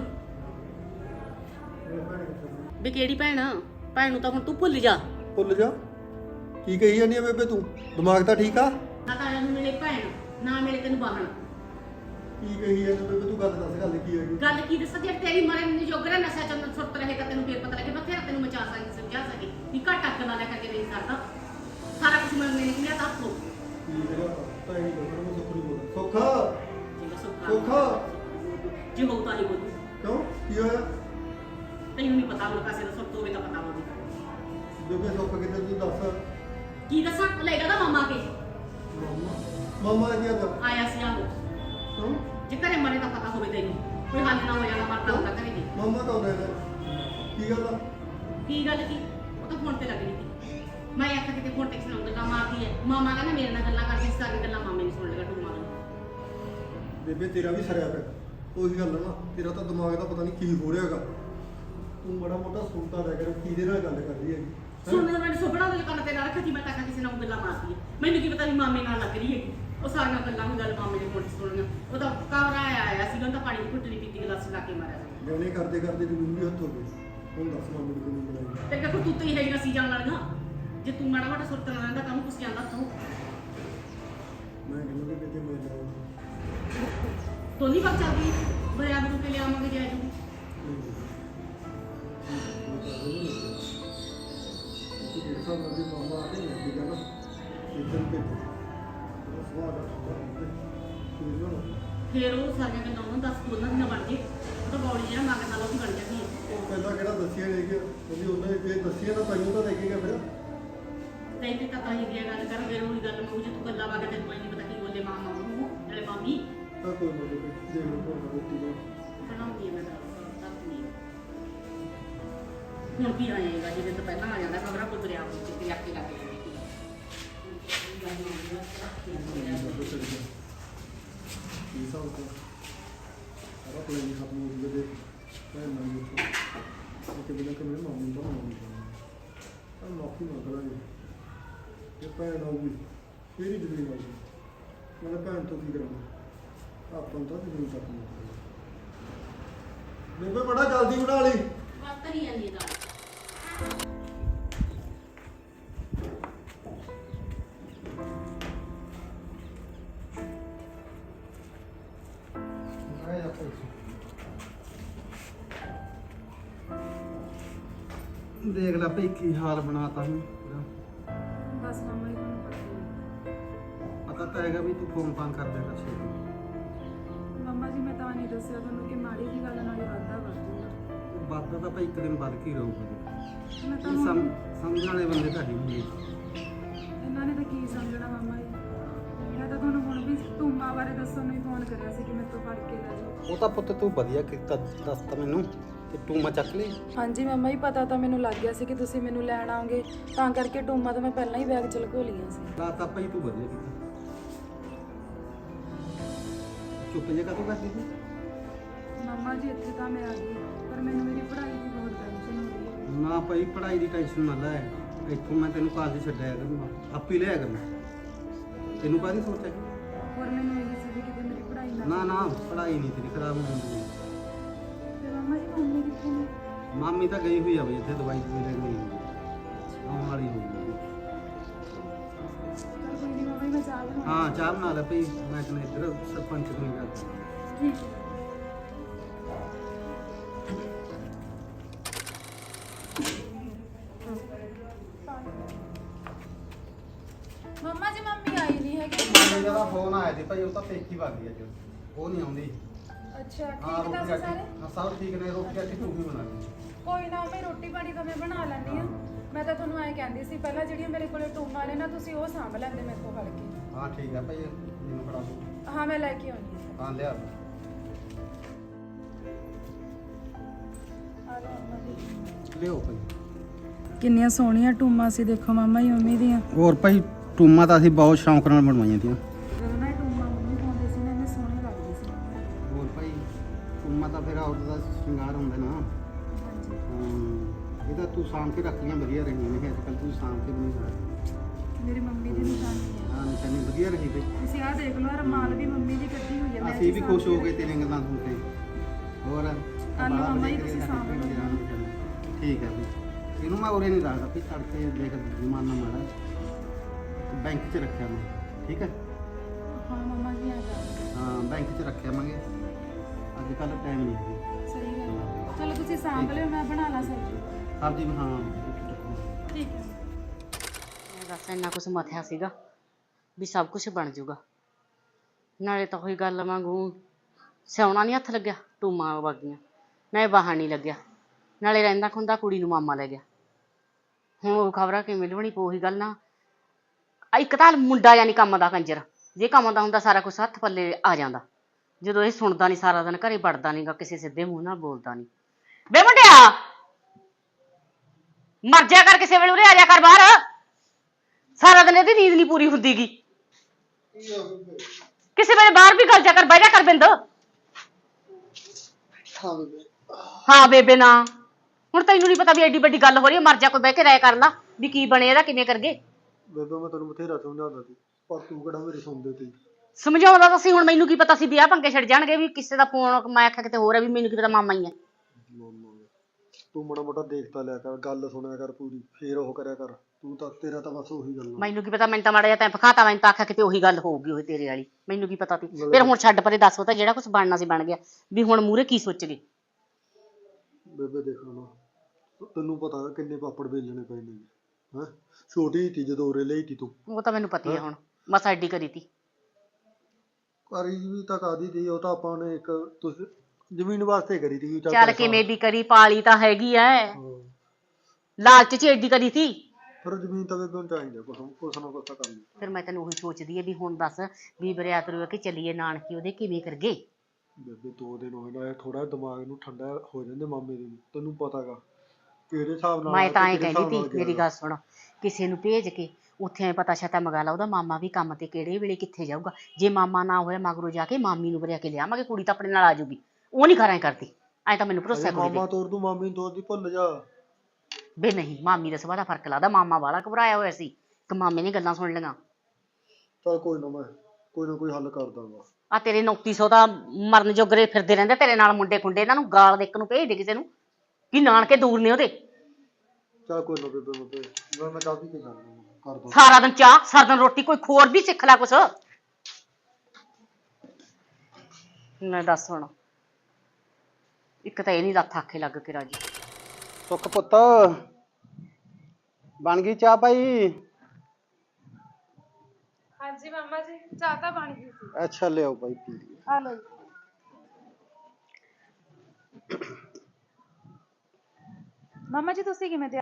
ਇਹ ਭੈਣ ਕਿੱਥੇ ਗਈ? ਵੀ ਕਿਹੜੀ ਭੈਣ ਭੈਣ ਨੂੰ ਤਾਂ ਹੁਣ ਤੂੰ ਭੁੱਲ ਜਾ ਭੁੱਲ ਜਾ ਕੀ ਕਹੀ ਜਾਂਦੀ ਆ ਬੇਬੇ ਤੂੰ ਦਿਮਾਗ ਤਾਂ ਠੀਕ ਆ ਨਾ ਤਾਂ ਇਹਨੂੰ ਮਿਲੇ ਭੈਣ ਨਾ ਮਿਲੇ ਤੈਨੂੰ ਬਾਹਣ ਕੀ ਕਹੀ ਜਾਂਦੀ ਬੇਬੇ ਤੂੰ ਗੱਲ ਦੱਸ ਗੱਲ ਕੀ ਹੈਗੀ ਗੱਲ ਕੀ ਦੱਸਾਂ ਜੇ ਤੇਰੀ ਮਰਨ ਨੂੰ ਜੋਗਰਾ ਨਸ਼ਾ ਚੰਦ ਸੁੱਤ ਰਹੇਗਾ ਤੈਨੂੰ ਫੇਰ ਪਤਾ ਲੱਗੇ ਬਥੇਰਾ ਤੈਨੂੰ ਮਚਾ ਸਕਦੀ ਸਮਝਾ ਸਕੇ ਵੀ ਘੱਟ ਅੱਗ ਲਾ ਲਿਆ ਕਰਕੇ ਨਹੀਂ ਸਰਦਾ ਸਾਰਾ ਕੁਝ ਮਰਨੇ ਨੇ ਕਿਹਾ ਤਾਂ ਹੱਥੋਂ ਕੀ ਜਿਹੜਾ ਤਾਂ ਇਹ ਦੱਸਣਾ ਮੈਂ ਸੁੱਖ ਨਹੀਂ ਬੋਲਦਾ ਸੁੱਖ ਜਿੰਦਾ ਸੁੱਖਾ ਸੁੱਖ ਜੀ ਹੋਊ ਤਾਂ ਹੀ ਬੋਲੂ ਕਿਉਂ ਕੀ ਹੋਇਆ ਤੈਨੂੰ ਨਹੀਂ ਪਤਾ ਹੁਣ ਕਾਸੇ ਦਾ ਸੁੱਤ ਹੋਵੇ ਤਾਂ ਪਤਾ ਹੋਵੇ ਬੇਬੇ ਸੁੱਖ ਕਿਤੇ ਤੂੰ ਦੱਸ ਕੀ ਦੱਸਾਂ ਲੈਗਾ ਦਾ ਮਾਮਾ ਕੇ ਮਾਮਾ ਮਾਮਾ ਜੀ ਆ ਆਇਆ ਸੀ ਆਹੋ ਹਾਂ ਜੇ ਘਰੇ ਮਰੇ ਤਾਂ ਪਤਾ ਹੋਵੇ ਤੈਨੂੰ ਕੋਈ ਹੱਲ ਨਾ ਹੋ ਜਾਣਾ ਮਰਦਾ ਹੁੰਦਾ ਘਰੇ ਨਹੀਂ ਮੰਮਾ ਕੌਣ ਹੈ ਕੀ ਗੱਲ ਆ ਕੀ ਗੱਲ ਕੀ ਉਹ ਤਾਂ ਫੋਨ ਤੇ ਲੱਗ ਰਹੀ ਸੀ ਮੈਂ ਆਖਿਆ ਕਿਤੇ ਫੋਨ ਤੇ ਕਿਸੇ ਨਾਲ ਗੱਲਾਂ ਮਾਰਦੀ ਹੈ ਮਾਮਾ ਕਹਿੰਦਾ ਮੇਰੇ ਨਾਲ ਗੱਲਾਂ ਕਰਦੀ ਸੀ ਸਾਰੀ ਗੱਲਾਂ ਮਾਮੇ ਨੇ ਸੁਣ ਲਿਆ ਟੂਮਾ ਨੂੰ ਬੇਬੇ ਤੇਰਾ ਵੀ ਸਰਿਆ ਪਿਆ ਉਹੀ ਗੱਲ ਆ ਨਾ ਤੇਰਾ ਤਾਂ ਦਿਮਾਗ ਦਾ ਪਤਾ ਨਹੀਂ ਕੀ ਹੋ ਰਿਹਾਗਾ ਤੂੰ ਬੜਾ ਮੋਟਾ ਸੁਣਦਾ ਰਹਿ ਕਰ ਕਿਹਦੇ ਨਾਲ ਗੱਲ ਕਰ ਰਹੀ ਹੈਗੀ ਹੈਂ? ਸੁਣਨ ਦਾ ਮੈਨੂੰ ਸੁਪਨਾ ਦੇ ਕੰਨ ਤੇ ਨਾ ਰੱਖੀ ਮੈਂ ਤਾਂ ਕਿਸੇ ਨਾਲ ਗੱਲਾਂ ਮਾਰਦੀ ਹੈ ਮੈਨੂੰ ਕੀ ਪਤਾ ਵੀ ਮਾਮੇ ਨਾਲ ਲੱਗ ਰਹੀ ਹੈਗੀ ਉਹ ਸਾਰੀਆਂ ਗੱਲਾਂ ਨੂੰ ਗੱਲ ਮਾਮੇ ਨੇ ਫੋਨ ਤੇ ਸੁਣੀਆਂ ਉਹ ਤਾਂ ਕਮਰਾ ਆਇਆ ਆਇਆ ਸੀ ਉਹਦਾ ਪਾਣੀ ਦੀ ਘੁੱਟਣੀ ਪੀਤੀ ਗਲਾਸ ਲਾ ਕੇ ਮਾਰਿਆ ਸੀ ਗਾਣੇ ਕਰਦੇ ਕਰਦੇ ਜ਼ਰੂਰ ਵੀ ਹੱਥ ਹੋ ਗਏ ਹੁਣ ਦੱਸ ਮਾਂ ਮੈਨੂੰ ਕਿਵੇਂ ਬਣਾਈ ਤੇ ਦੇਖੋ ਤੂੰ ਤੇ ਹੀ ਹੈਗਾ ਸੀ ਜਾਣ ਵਾਲੀਆਂ ਜੇ ਤੂੰ ਮਾੜਾ ਮਾੜਾ ਸੁਰਤ ਨਾਲ ਰਹਿੰਦਾ ਕੰਮ ਕੁਛ ਜਾਂਦਾ ਤੂੰ ਮੈਂ ਕਹਿੰਦਾ ਕਿ ਕਿਤੇ ਮੈਂ ਜਾਵਾਂ ਤੂੰ ਨਹੀਂ ਬਾਤ ਚੱਲਦੀ ਬਰਿਆ ਨੂੰ ਕੇ ਲਿਆਵਾਂਗੇ ਜੇ ਆਜੂ ਜਿਹੜੇ ਸਾਲ ਦੇ ਮਾਮਾ ਆ ਕੇ ਲੱਗੀ ਗੱਲ ਇਦਾਂ ਤੇ ਸਵਾਦ ਆ ਫੇਰ ਉਹ ਸਾਰੀਆਂ ਗੱਲਾਂ ਉਹਨੂੰ ਦੱਸ ਤੂੰ ਉਹਨਾਂ ਦੀ ਨਾ ਬਣ ਜੇ ਉਹ ਤਾਂ ਬੌੜੀ ਜਿਹੜਾ ਮੰਗਦਾ ਲਾ ਉਹ ਵੀ ਬਣ ਜਾਂਦੀ ਹੈ ਉਹ ਪਹਿਲਾਂ ਕਿਹੜਾ ਦੱਸਿਆ ਨਹੀਂ ਕਿ ਉਹਦੀ ਉਹਨੇ ਜੇ ਦੱਸਿਆ ਤਾਂ ਤੈਨੂੰ ਤਾਂ ਦੇਖੇਗਾ ਫਿਰ ਤੇ ਤੇ ਤਾਂ ਹੀ ਦੀ ਗੱਲ ਕਰ ਫੇਰ ਉਹੀ ਗੱਲ ਮੈਂ ਜੇ ਤੂੰ ਗੱਲਾਂ ਵਾਗੇ ਤੈਨੂੰ ਨਹੀਂ ਪਤਾ ਕੀ ਬੋਲੇ ਮਾਂ ਮਾਂ ਨੂੰ ਨਾਲੇ ਮਾਮੀ ਤਾਂ ਕੋਈ ਨਾ ਕੋਈ ਦੇਖ ਲਓ ਕੋਈ ਰੋਟੀ ਦਾ ਬਣਾਉਂਦੀ ਹੈ ਮੈਂ ਤਾਂ ਦੱਸ ਨਹੀਂ ਹੁਣ ਵੀ ਆਏਗਾ ਜਿਹਦੇ ਤੋਂ ਪਹਿਲਾਂ ਆ ਜਾਂਦਾ ਖਬਰਾਂ ਕੋ ਦਰਿਆ ਵਿੱਚ ਤੇ ਲੱਗ ਕੇ ਲੱਗ ਜਾਂਦੀ ਇਹ ਸਭ ਤੋਂ ਸਾਰਾ ਪਲਾਨ ਖਤਮ ਹੋ ਗਿਆ ਦੇ ਮੈਂ ਮੰਨ ਲਿਆ ਕਿ ਬਿਨਾਂ ਕਿ ਮੇਰੇ ਮਾਮੂ ਦਾ ਨਾਮ ਨਹੀਂ ਤਾਂ ਨੌਕਰੀ ਮੰਗ ਲਾਂਗੇ ਤੇ ਭੈਣ ਆਊਗੀ ਫਿਰ ਹੀ ਜ਼ਮੀਨ ਆਊਗੀ ਮੈਂ ਭੈਣ ਤੋਂ ਕੀ ਕਰਾਂਗਾ ਆਪਾਂ ਨੂੰ ਤਾਂ ਜ਼ਮੀਨ ਤੱਕ ਨਹੀਂ ਬੇਬੇ ਬੜਾ ਜਲਦੀ ਬਣਾ ਲਈ ਬਾਤ ਨਹੀਂ ਆਂਦੀ ਦਾ ਦੇਖ ਲੈ ਭਈ ਕੀ ਹਾਲ ਬਣਾਤਾ ਹੂੰ ਬਸ ਮਾਮਾ ਜੀ ਤੁਹਾਨੂੰ ਪਤਾ ਹੀ ਹੈ। ਪਤਾ ਤਾਂ ਹੈਗਾ ਵੀ ਤੂੰ ਫੋਨ ਫਾਨ ਕਰ ਦੇਗਾ ਛੇਤੀ ਮਾਮਾ ਜੀ ਮੈਂ ਤਾਂ ਨਹੀਂ ਦੱਸਿਆ ਤੁਹਾਨੂੰ ਕਿ ਮਾੜੀ ਦੀ ਗੱਲ ਨਾਲ ਹੀ ਵਾਧਾ ਵੱਧ ਜੂਗਾ ਬਾਤਾਂ ਤਾਂ ਭਾਈ ਇੱਕ ਦਿਨ ਵੱਧ ਕੇ ਹੀ ਰਹੂਗਾ ਮੈਂ ਤਾਂ ਇਹ ਹੁਣ- ਸਮ ਸਮਝਣ ਵਾਲੇ ਬੰਦੇ ਤਾਂ ਹੈ ਨਹੀਂ ਇਹਨਾਂ ਨੇ ਤਾਂ ਕੀ ਸਮਝਣਾ ਮਾਮਾ ਜੀ ਮੈਂ ਤਾਂ ਤੁਹਾਨੂੰ ਹੁਣ ਵੀ ਟੂਮਾ ਬਾਰੇ ਦੱਸਣ ਨੂੰ ਹੀ ਫੋਨ ਕਰਿਆ ਸੀ ਕਿ ਮੇਰੇ ਤੋਂ ਫੜ ਕੇ ਲੈ ਜਾਓ ਉਹ ਤਾਂ ਪੁੱਤ ਤੂੰ ਵਧੀਆ ਕੀਤਾ ਦੱਸਤਾ ਮੈਨੂੰ ਤੇ ਤੂੰ ਮੈਂ ਚੱਕ ਲਈ ਹਾਂਜੀ ਮਾਮਾ ਜੀ ਪਤਾ ਤਾਂ ਮੈਨੂੰ ਲੱਗ ਗਿਆ ਸੀ ਕਿ ਤੁਸੀਂ ਮੈਨੂੰ ਲੈਣ ਆਓਗੇ ਤਾਂ ਕਰਕੇ ਟੂਮਾ ਤਾਂ ਮੈਂ ਪਹਿਲਾਂ ਹੀ ਬੈਗ ਚ ਲੁਕੋ ਲਈਆਂ ਸੀ ਤਾਂ ਤਾਂ ਭਾਈ ਤੂੰ ਵਧੀਆ ਕੀਤਾ ਚੁੱਪ ਜੇ ਕਾ ਤੂੰ ਕਰਦੀ ਸੀ ਮਾਮਾ ਜੀ ਇੱਥੇ ਤਾਂ ਮੈਂ ਆ ਗਈ ਪਰ ਮੈਨੂੰ ਮੇਰੀ ਪੜ੍ਹਾਈ ਦੀ ਬਹੁਤ ਟੈਨਸ਼ਨ ਹੋ ਰਹੀ ਹੈ ਨਾ ਭਾਈ ਪੜ੍ਹਾਈ ਦੀ ਟੈਨਸ਼ਨ ਨਾ ਲੈ ਇੱਥੋਂ ਮੈਂ ਤੈਨੂੰ ਕਾਲਜ ਛੱਡਿਆ ਕਰੂੰਗਾ ਆਪੇ ਲਿਆ ਕਰਨਾ ਤੈਨੂੰ ਕਾਹਦੀ ਸੋਚ ਹੈ ਹੋਰ ਮੈਨੂੰ ਇਹ ਸੀ ਵੀ ਕਿਤੇ ਮੇਰੀ ਪੜ੍ਹਾਈ ਨਾ ਨਾ ਨਾ ਪੜ੍ਹਾਈ ਨਹੀਂ ਤੇਰੀ ਖਰਾਬ ਹੋਣ ਦੀ ਤੇ ਮਾਮਾ ਜੀ ਮੰਮੀ ਕਿੱਥੇ ਨੇ ਮਾਮੀ ਤਾਂ ਗਈ ਹੋਈ ਆ ਬਈ ਇੱਥੇ ਦਵਾਈ ਦਵਾਈ ਲੈ ਗਈ ਆਉਣ ਵਾਲੀ ਹੋਊਗੀ ਚਲ ਕੋਈ ਨਹੀਂ ਮਾਮਾ ਜੀ ਮੈਂ ਚਾਹ ਬਣਾ ਹਾਂ ਚਾਹ ਬਣਾ ਲੈ ਭਈ ਮੈਂ ਕਹਿੰਦਾ ਇੱਧਰ ਸਰਪੰਚ ਨੂੰ ਗੱਲ ਠੀਕ ਹੈ ਮੰਮਾ ਜੀ ਮੰਮੀ ਆਈ ਨਹੀਂ ਹੈਗੀ ਮਾਮੀ ਦਾ ਫੋਨ ਆਇਆ ਸੀ ਭਾਈ ਉਹ ਤਾਂ ਪੇਕੀ ਵਗ ਗਈ ਅੱਜ ਉਹ ਨਹੀਂ ਆਉਂਦੀ ਅੱਛਾ ਹਾਂ ਠੀਕ ਰੋਟੀ ਤਾਂ ਰਾਟੀ ਸਾਰੇ ਹਾਂ ਸਭ ਠੀਕ ਨੇ ਰੋਟੀ ਰਾਟੀ ਤੂੰ ਵੀ ਬਣਾ ਲਈ ਕੋਈ ਨਾ ਮੈਂ ਰੋਟੀ ਪਾਣੀ ਤਾਂ ਮੈਂ ਬਣਾ ਲੈਂਦੀ ਆ ਮੈਂ ਤਾਂ ਤੁਹਾਨੂੰ ਐਂ ਕਹਿੰਦੀ ਸੀ ਪਹਿਲਾਂ ਜਿਹੜੀਆਂ ਮੇਰੇ ਕੋਲੇ ਟੂਮਾਂ ਨੇ ਨਾ ਤੁਸੀਂ ਉਹ ਸਾਂਭ ਲੈਂਦੇ ਮੇਰੇ ਕੋਲ ਫੜ ਕੇ ਹਾਂ ਠੀਕ ਹੈ ਭਾਈ ਮੈਨੂੰ ਫੜਾ ਦੋ ਹਾਂ ਮੈਂ ਲੈ ਕੇ ਆਉਂਦੀ ਹਾਂ ਲਿਆ ਆ ਲਓ ਮੰਮਾ ਜੀ ਲਿਓ ਭਾਈ ਕਿੰਨੀਆਂ ਸੋਹਣੀਆਂ ਟੂਮਾਂ ਸੀ ਦੇਖੋ ਮਾਮਾ ਜੀ ਮੰਮੀ ਦੀਆਂ ਹੋਰ ਭਾਈ ਟੂਮਾਂ ਤਾਂ ਅਸੀਂ ਬਹੁਤ ਸ਼ੌਂਕ ਨਾਲ ਬਣਵਾਈਆਂ ਤੀਆਂ ਜਦੋਂ ਨਾ ਇਹ ਟੂਮਾਂ ਮੰਮੀ ਪਾਉਂਦੇ ਸੀ ਨਾ ਇੰਨੇ ਸੋਹਣੇ ਲੱਗਦੇ ਸੀ ਹੋਰ ਭਾਈ ਟੂਮਾਂ ਤਾਂ ਫਿਰ ਔਰਤ ਦਾ ਸ਼ਿੰਗਾਰ ਹੁੰਦਾ ਨਾ ਹਾਂਜੀ ਹਾਂ ਇਹ ਤਾਂ ਤੂੰ ਸਾਂਭ ਕੇ ਰੱਖੀਆਂ ਵਧੀਆ ਰਹੀਆਂ ਨੇ ਅੱਜ ਕੱਲ੍ਹ ਤੂੰ ਸਾਂਭ ਕੇ ਵੀ ਨਹੀਂ ਰੱਖਦੀ ਮੇਰੀ ਮੰਮੀ ਦੀ ਨਿਸ਼ਾਨੀ ਹੈ ਹਾਂ ਨਿਸ਼ਾਨੀ ਵਧੀਆ ਰਹੀ ਭਾਈ ਤੁਸੀਂ ਆਹ ਦੇਖ ਲਓ ਰਮਾਲ ਵੀ ਮੰਮੀ ਦੀ ਕੱਢੀ ਹੋਈ ਹੈ ਮੈਂ ਅਸੀਂ ਵੀ ਸਾਂਭ ਖੁਸ਼ ਕੇ ਹੋ ਗਏ ਰੱਖੀ। ਤੇਰੇ ਗੱਲਾਂ ਸੁਣ ਕੇ ਹੋਰ ਆਲੂ ਬਾਹਰ ਮੰਮਾ ਜੀ ਦੇਖ ਰਹੇ ਤੁਸੀਂ ਸਾਡੇ ਸਾਂਭ ਪਿੰਡ ਲਓ। ਦੇ ਨਾਲ ਨਿਕਲਣਾ। ਠੀਕ ਹੈ ਵੀ ਇਹਨੂੰ ਮੈਂ ਉਰੇ ਨਹੀਂ ਰੱਖਦਾ ਵੀ ਤੜਕੇ ਦੇਖ ਜਮਾਨਾ ਮਾੜਾ ਬੈਂਕ 'ਚ ਰੱਖਿਆ ਮੈਂ ਠੀਕ ਹੈ ਹਾਂ ਮੰਮਾ ਜੀ ਆ ਜਾਓ ਹਾਂ ਬੈਂਕ 'ਚ ਰੱਖਿਆ ਮਾਂਗੇ ਅੱਜ ਕੱਲ੍ਹ ਟਾਈਮ ਨਹੀਂ ਹੈ ਸਹੀ ਗੱਲ ਹੈ। ਚਲੋ ਤੁਸੀਂ ਸਾਂਭ ਲਿਓ ਮੈਂ ਬਣਾ ਲਾ ਸਬਜ਼ੀ ਸਬਜ਼ੀ ਵੀ ਹਾਂ ਰੋਟੀ ਟੁੱਕ। ਠੀਕ ਹੈ ਮੈਂ ਦੱਸ ਇੰਨਾ ਕੁਛ ਮਥਿਆ ਸੀਗਾ ਵੀ ਸਭ ਕੁਝ ਬਣ ਜਾਊਗਾ ਨਾਲੇ ਤਾਂ ਉਹੀ ਗੱਲ ਵਾਂਗੂ ਸਿਆਉਣਾ ਨਹੀਂ ਹੱਥ ਲੱਗਿਆ ਟੂਮਾਂ ਵਗੀਆਂ ਨਾਲੇ ਬਾਹਾਂ ਨਹੀਂ ਲੱਗਿਆ ਨਾਲੇ ਰਹਿੰਦਾ ਖੁੰਦਾ ਕੁੜੀ ਨੂੰ ਮਾਮਾ ਲੈ ਗਿਆ ਹੁਣ ਉਹ ਖਬਰਾਂ ਕਿਵੇਂ ਲਵਣੀ ਪਊ ਉਹੀ ਗੱਲ ਨਾ ਇੱਕ ਤਾਂ ਮੁੰਡਾ ਯਾਨੀ ਕੰਮ ਦਾ ਕੰਜਰ ਜੇ ਕੰਮ ਦਾ ਹੁੰਦਾ ਸਾਰਾ ਕੁਛ ਹੱਥ ਪੱਲੇ ਆ ਜਾਂਦਾ ਜਦੋਂ ਇਹ ਸੁਣਦਾ ਨਹੀਂ ਸਾਰਾ ਦਿਨ ਘਰੇ ਵੜਦਾ ਨਹੀਂਗਾ ਕਿਸੇ ਸਿੱਧੇ ਮੂੰਹ ਨਾਲ ਬੋਲਦਾ ਨਹੀਂ। ਬੇ ਮੁੰਡਿਆ ਮਰ ਜਾ ਕਰ ਕਿਸੇ ਵੇਲੇ ਉਰੇ ਆ ਜਾ ਕਰ ਬਾਹਰ। ਸਾਰਾ ਦਿਨ ਇਹਦੀ ਨੀਂਦ ਨਹੀਂ ਪੂਰੀ ਹੁੰਦੀਗੀ। ਕਿਸੇ ਵੇਲੇ ਬਾਹਰ ਵੀ ਗੱਲ ਜਾ ਕਰ ਬਹਿ ਜਾ ਕਰ ਬਿੰਦ। ਹਾਂ ਬੇਬੇ ਨਾ ਹੁਣ ਤੈਨੂੰ ਨਹੀਂ ਪਤਾ ਵੀ ਐਡੀ ਵੱਡੀ ਗੱਲ ਹੋ ਰਹੀ ਹੈ। ਮਰ ਜਾ ਕੋਈ ਬਹਿ ਕੇ ਰਾਇ ਕਰ ਲਾ ਵੀ ਕੀ ਬਣੇ ਇਹਦਾ ਕਿਵੇਂ ਕਰਗੇ। ਬੇਬੇ ਮੈਂ ਤੈਨੂੰ ਬਥੇਰਾ ਸਮਝਾਉਂਦਾ ਸੀ ਪਰ ਤੂੰ ਕਿਹੜਾ ਮੇਰੀ ਸੁਣਦੇ ਸੀ। ਸਮਝਾਉਂਦਾ ਤਾਂ ਸੀ ਹੁਣ ਮੈਨੂੰ ਕੀ ਪਤਾ ਸੀ ਵੀ ਆਹ ਪੰਗੇ ਛੱਡ ਜਾਣਗੇ ਵੀ ਕਿਸੇ ਦਾ ਫੋਨ ਮੈਂ ਆਖਿਆ ਕਿਤੇ ਹੋਰ ਹੈ ਵੀ ਮੈਨੂੰ ਕੀ ਪਤਾ ਮਾਮਾ ਹੀ ਹੈ। ਤੂੰ ਮਾੜਾ ਮੋਟਾ ਦੇਖਤਾ ਲਿਆ ਕਰ ਗੱਲ ਸੁਣਿਆ ਕਰ ਪੂਰੀ ਫੇਰ ਉਹ ਕਰਿਆ ਕਰ। ਤੂੰ ਤਾਂ ਤੇਰਾ ਤਾਂ ਬਸ ਉਹੀ ਗੱਲ ਆ। ਮੈਨੂੰ ਕੀ ਪਤਾ ਮੈਨੂੰ ਤਾਂ ਮਾੜਾ ਜਿਹਾ ਤੈਂ ਪਖਾਤਾ ਮੈਨੂੰ ਤਾਂ ਆਖਿਆ ਕਿਤੇ ਉਹੀ ਗੱਲ ਹੋਊਗੀ ਉਹ ਤੇਰੇ ਵਾਲੀ। ਮੈਨੂੰ ਕੀ ਪਤਾ ਸੀ ਫਿਰ ਹੁਣ ਛੱਡ ਪਰੇ ਦੱਸ ਉਹ ਤਾਂ ਜਿਹੜਾ ਕੁਝ ਬਣਨਾ ਸੀ ਬਣ ਗਿਆ ਵੀ ਹੁਣ ਮੂਹਰੇ ਕੀ ਸੋਚ ਗਏ। ਬੇਬੇ ਦੇਖੋ ਨਾ ਤੈਨੂੰ ਪਤਾ ਕਿੰਨੇ ਪਾਪੜ ਵੇਲਣੇ ਪਏ ਨੇ ਹੈਂ ਛੋਟੀ ਸੀ ਜਦੋਂ ਉਰੇ ਲਈ ਤੀ ਤੂੰ। ਉਹ ਤਾਂ ਮੈਨੂੰ ਪਤਾ ਹੀ ਹੈ ਹੁਣ ਮਸਾਂ ਐਡੀ ਕਰੀ ਤੀ। ਕਰੀ ਵੀ ਤਾਂ ਕਾਦੀ ਤੀ ਉਹ ਤਾਂ ਆਪਾਂ ਨੇ ਇੱਕ ਤੁਸੀਂ ਜ਼ਮੀਨ ਵਾਸਤੇ ਕਰੀ ਤੀ। ਚੱਲ ਕਿਵੇਂ ਵੀ ਕਰੀ ਪਾਲੀ ਤਾਂ ਹੈਗੀ ਐ ਲਾਲਚ ਚ ਐਡੀ ਕਰੀ ਤੀ। ਫਿਰ ਜ਼ਮੀਨ ਤਾਂ ਬੇਬੇ ਨੂੰ ਚਾਹੀਦਾ ਕੁਛ ਕੁਛ ਨਾ ਕੁਛ ਤਾਂ ਕਰਨੀ। ਫਿਰ ਮੈਂ ਤੈਨੂੰ ਉਹੀ ਸੋਚਦੀ ਹੈ ਵੀ ਹੁਣ ਦੱਸ ਵੀ ਬਰਿਆਤ ਰੂ ਕੇ ਚੱਲੀਏ ਨਾਨਕੀ ਉਹਦੇ ਕਿਵੇਂ ਕਰਗੇ। ਬੇਬੇ ਦੋ ਦਿਨ ਹੋਏ ਨਾ ਥੋੜਾ ਦਿਮਾਗ ਨੂੰ ਠੰਡਾ ਹੋ ਜਾਂਦੇ ਮਾਮੇ ਦੇ ਨੂੰ ਤੈਨੂੰ ਪਤਾਗਾ ਕਿਹੜੇ ਹਿਸਾਬ ਨਾਲ। ਮੈਂ ਤਾਂ ਐਂ ਕਹਿੰਦੀ ਤੀ ਮੇਰੀ ਗੱਲ ਸੁਣ ਕਿਸੇ ਨੂੰ ਭੇਜ ਕੇ ਉੱਥੇ ਐਂ ਪਤਾ ਸ਼ਤਾ ਮੰਗਾ ਲਾ ਉਹਦਾ ਮਾਮਾ ਵੀ ਕੰਮ ਤੇ ਕਿਹੜੇ ਵੇਲੇ ਕਿੱਥੇ ਜਾਊਗਾ। ਜੇ ਮਾਮਾ ਨਾ ਹੋਇਆ ਮਗਰੋਂ ਜਾ ਕੇ ਮਾਮੀ ਨੂੰ ਬਰਿਆ ਕੇ ਲਿਆਵਾਂਗੇ ਕੁੜੀ ਤਾਂ ਆਪਣੇ ਨਾਲ ਆ ਜਾਊਗੀ। ਉਹ ਨੀ ਖਰਾਂ ਕਰਦੀ ਐਂ ਤਾਂ ਮੈਨੂੰ ਭਰੋਸਾ ਕੋਈ ਮਾਮਾ ਤੋਰ ਤੂੰ ਮਾਮੀ ਨੂੰ ਤੋਰ ਦੀ ਭੁੱਲ ਜਾ। ਬੇ ਨਹੀਂ ਮਾਮੀ ਦਾ ਸੁਭਾਅ ਦਾ ਫਰਕ ਲੱਗਦਾ। ਮਾਮਾ ਵਾਲਾ ਘਬਰਾਇਆ ਹੋਇਆ ਸੀ ਕਿ ਮਾਮੇ ਨੇ ਗੱਲਾਂ ਸੁਣ ਲਈਆਂ। ਚੱਲ ਕੋਈ ਨਾ ਮੈਂ ਕੋਈ ਨਾ ਕੋਈ ਹੱਲ ਕਰ ਦਾਂਗਾ। ਆ ਤੇਰੇ ਨੌਤੀ ਸੌ ਤਾਂ ਮਰਨ ਜੋਗਰੇ ਫਿਰਦੇ ਰਹਿੰਦੇ ਤੇਰੇ ਨਾਲ ਮੁੰਡੇ ਖੁੰਡੇ ਇਹਨਾਂ ਨੂੰ ਗਾਲ ਦੇ ਇੱਕ ਨੂੰ ਭੇਜ ਦੇ ਕਿਸੇ ਨੂੰ ਕਿ ਨਾਨਕੇ ਦੂਰ ਨੇ ਉਹਦੇ। ਚੱਲ ਕੋਈ ਨਾ ਬੇਬੇ ਮੁੱਤੇ ਮੈਂ ਮੈਂ ਕਾਫੀ ਕੇ ਕਰ ਕਰ ਦਾਂ। ਸਾਰਾ ਦਿਨ ਚਾਹ ਸਾਰਾ ਦਿਨ ਰੋਟੀ ਕੋਈ ਖੋਰ ਵੀ ਸਿੱਖ ਲੈ ਕੁਛ। ਮੈਂ ਦੱਸ ਹੁਣ ਇੱਕ ਤਾਂ ਇਹ ਨਹੀਂ ਲੱਥ ਆਖੇ ਲੱਗ ਕੇ ਰਾਜੀ। ਸੁੱਖ ਪੁੱਤ ਬਣ ਗਈ ਚਾਹ ਭਾਈ। ਹਾਂਜੀ ਮਾਮਾ ਜੀ ਚਾਹ ਤਾਂ ਬਣ ਗਈ ਸੀ। ਅੱਛਾ ਲਿਆਓ ਭਾਈ ਪੀ ਲਈਏ। ਆ ਲਓ। ਮਾਮਾ ਜੀ ਤੁਸੀਂ ਕਿਵੇਂ ਤਿਆਰ?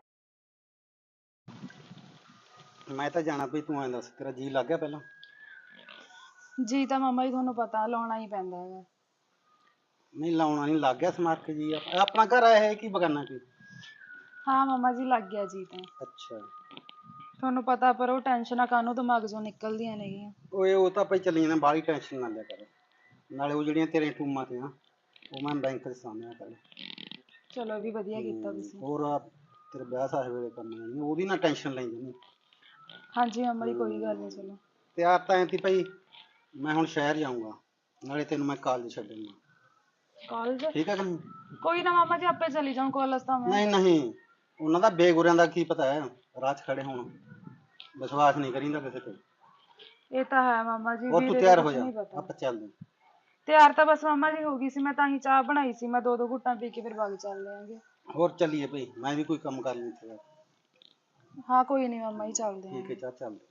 ਮੈਂ ਤਾਂ ਜਾਣਾ ਪਈ ਤੂੰ ਐਂ ਦੱਸ ਤੇਰਾ ਜੀ ਲੱਗ ਗਿਆ ਪਹਿਲਾਂ। ਜੀ ਤਾਂ ਮਾਮਾ ਜੀ ਤੁਹਾਨੂੰ ਪਤਾ ਲਾਉਣਾ ਹੀ ਪੈਂਦਾ ਹੈਗਾ। ਨਹੀਂ ਲਾਉਣਾ ਨਹੀਂ ਲੱਗ ਗਿਆ ਸਮਾਰ ਕੇ ਜੀ ਇਹ ਆਪਣਾ ਘਰ ਆਇਆ ਹੈ ਕੀ ਬਗਾਨਾ ਕੀ। ਹਾਂ ਮਾਮਾ ਜੀ ਲੱਗ ਗਿਆ ਜੀ ਤਾਂ। ਅੱਛਾ ਤੁਹਾਨੂੰ ਪਤਾ ਪਰ ਉਹ ਟੈਨਸ਼ਨਾਂ ਕਾਹਨੂੰ ਦਿਮਾਗ ਚੋਂ ਨਿਕਲਦੀਆਂ ਨੇਗੀਆਂ। ਓਏ ਉਹ ਤਾਂ ਭਾਈ ਚੱਲੀ ਜਾਂਦਾ ਬਾਹਲੀ ਟੈਨਸ਼ਨ ਨਾ ਲਿਆ ਕਰ। ਨਾਲੇ ਉਹ ਜਿਹੜੀਆਂ ਤੇਰੇ ਟੂਮਾਂ ਤੇ ਆ ਉਹ ਮੈਂ ਬੈਂਕ ਦੇ ਸਾਹਮਣੇ ਕਰ। ਚਲੋ ਵੀ ਵਧੀਆ ਕੀਤਾ ਤੁਸੀਂ। ਹੋਰ ਆ ਤੇਰੇ ਵਿਆਹ ਸਾਹੇ ਵੇਲੇ ਕਰਨੀ ਜਾਣੀ ਉਹਦੀ ਨਾ ਟੈਨਸ਼ਨ ਲਈ ਜਾਨੀ। ਹਾਂਜੀ ਮਾਮਾ ਜੀ ਕੋਈ ਗੱਲ ਨਹੀਂ। ਚਲੋ ਤਿਆਰ ਤਾਂ ਐਂ ਤੀ ਭਾਈ ਮੈਂ ਹੁਣ ਸ਼ਹਿਰ ਜਾਊਂਗਾ ਨਾਲੇ ਤੈਨੂੰ ਮੈਂ ਕਾਲਜ ਛੱਡੂੰਗਾ। ਕਾਲਜ ਠੀਕ ਹੈ ਕਿ ਨਹੀਂ? ਕੋਈ ਨਾ ਮਾਮਾ ਜੀ ਆਪੇ ਚਲੀ ਜਾऊं ਕਾਲਜ ਤਾਂ ਮੈਂ। ਨਹੀਂ ਨਹੀਂ ਉਹਨਾਂ ਦਾ ਬੇਗੁਰਿਆਂ ਦਾ ਕੀ ਪਤਾ ਹੈ ਰਾਹ 'ਚ ਖੜੇ ਹੋਣ। ਵਿਸ਼ਵਾਸ ਨਹੀਂ ਕਰੀਂਦਾ ਕਿਸੇ ਤੇ। ਇਹ ਤਾਂ ਹੈ ਮਾਮਾ ਜੀ। ਹੋਰ ਤੂੰ ਤਿਆਰ ਹੋ ਜਾ ਆਪਾਂ ਚੱਲਦੇ। ਤਿਆਰ ਤਾਂ ਬਸ ਮਾਮਾ ਜੀ ਹੋ ਗਈ ਸੀ ਮੈਂ ਤਾਂ ਹੀ ਚਾਹ ਬਣਾਈ ਸੀ। ਮੈਂ ਦੋ ਦੋ ਘੁੱਟਾਂ ਪੀ ਕੇ ਫਿਰ ਬਾਗ ਚੱਲ ਆਂਗੇ। ਹੋਰ ਚੱਲੀਏ ਭਾਈ ਮੈਂ ਵੀ ਕੋਈ ਕੰਮ ਕਰ ਲਈ ਤੇ। ਹਾਂ ਕੋਈ ਨਹੀਂ ਮਾਮਾ ਜੀ ਚੱਲਦੇ ਆਂ। ਠੀਕ ਹੈ ਚਾਹ ਚੱਲਦੇ।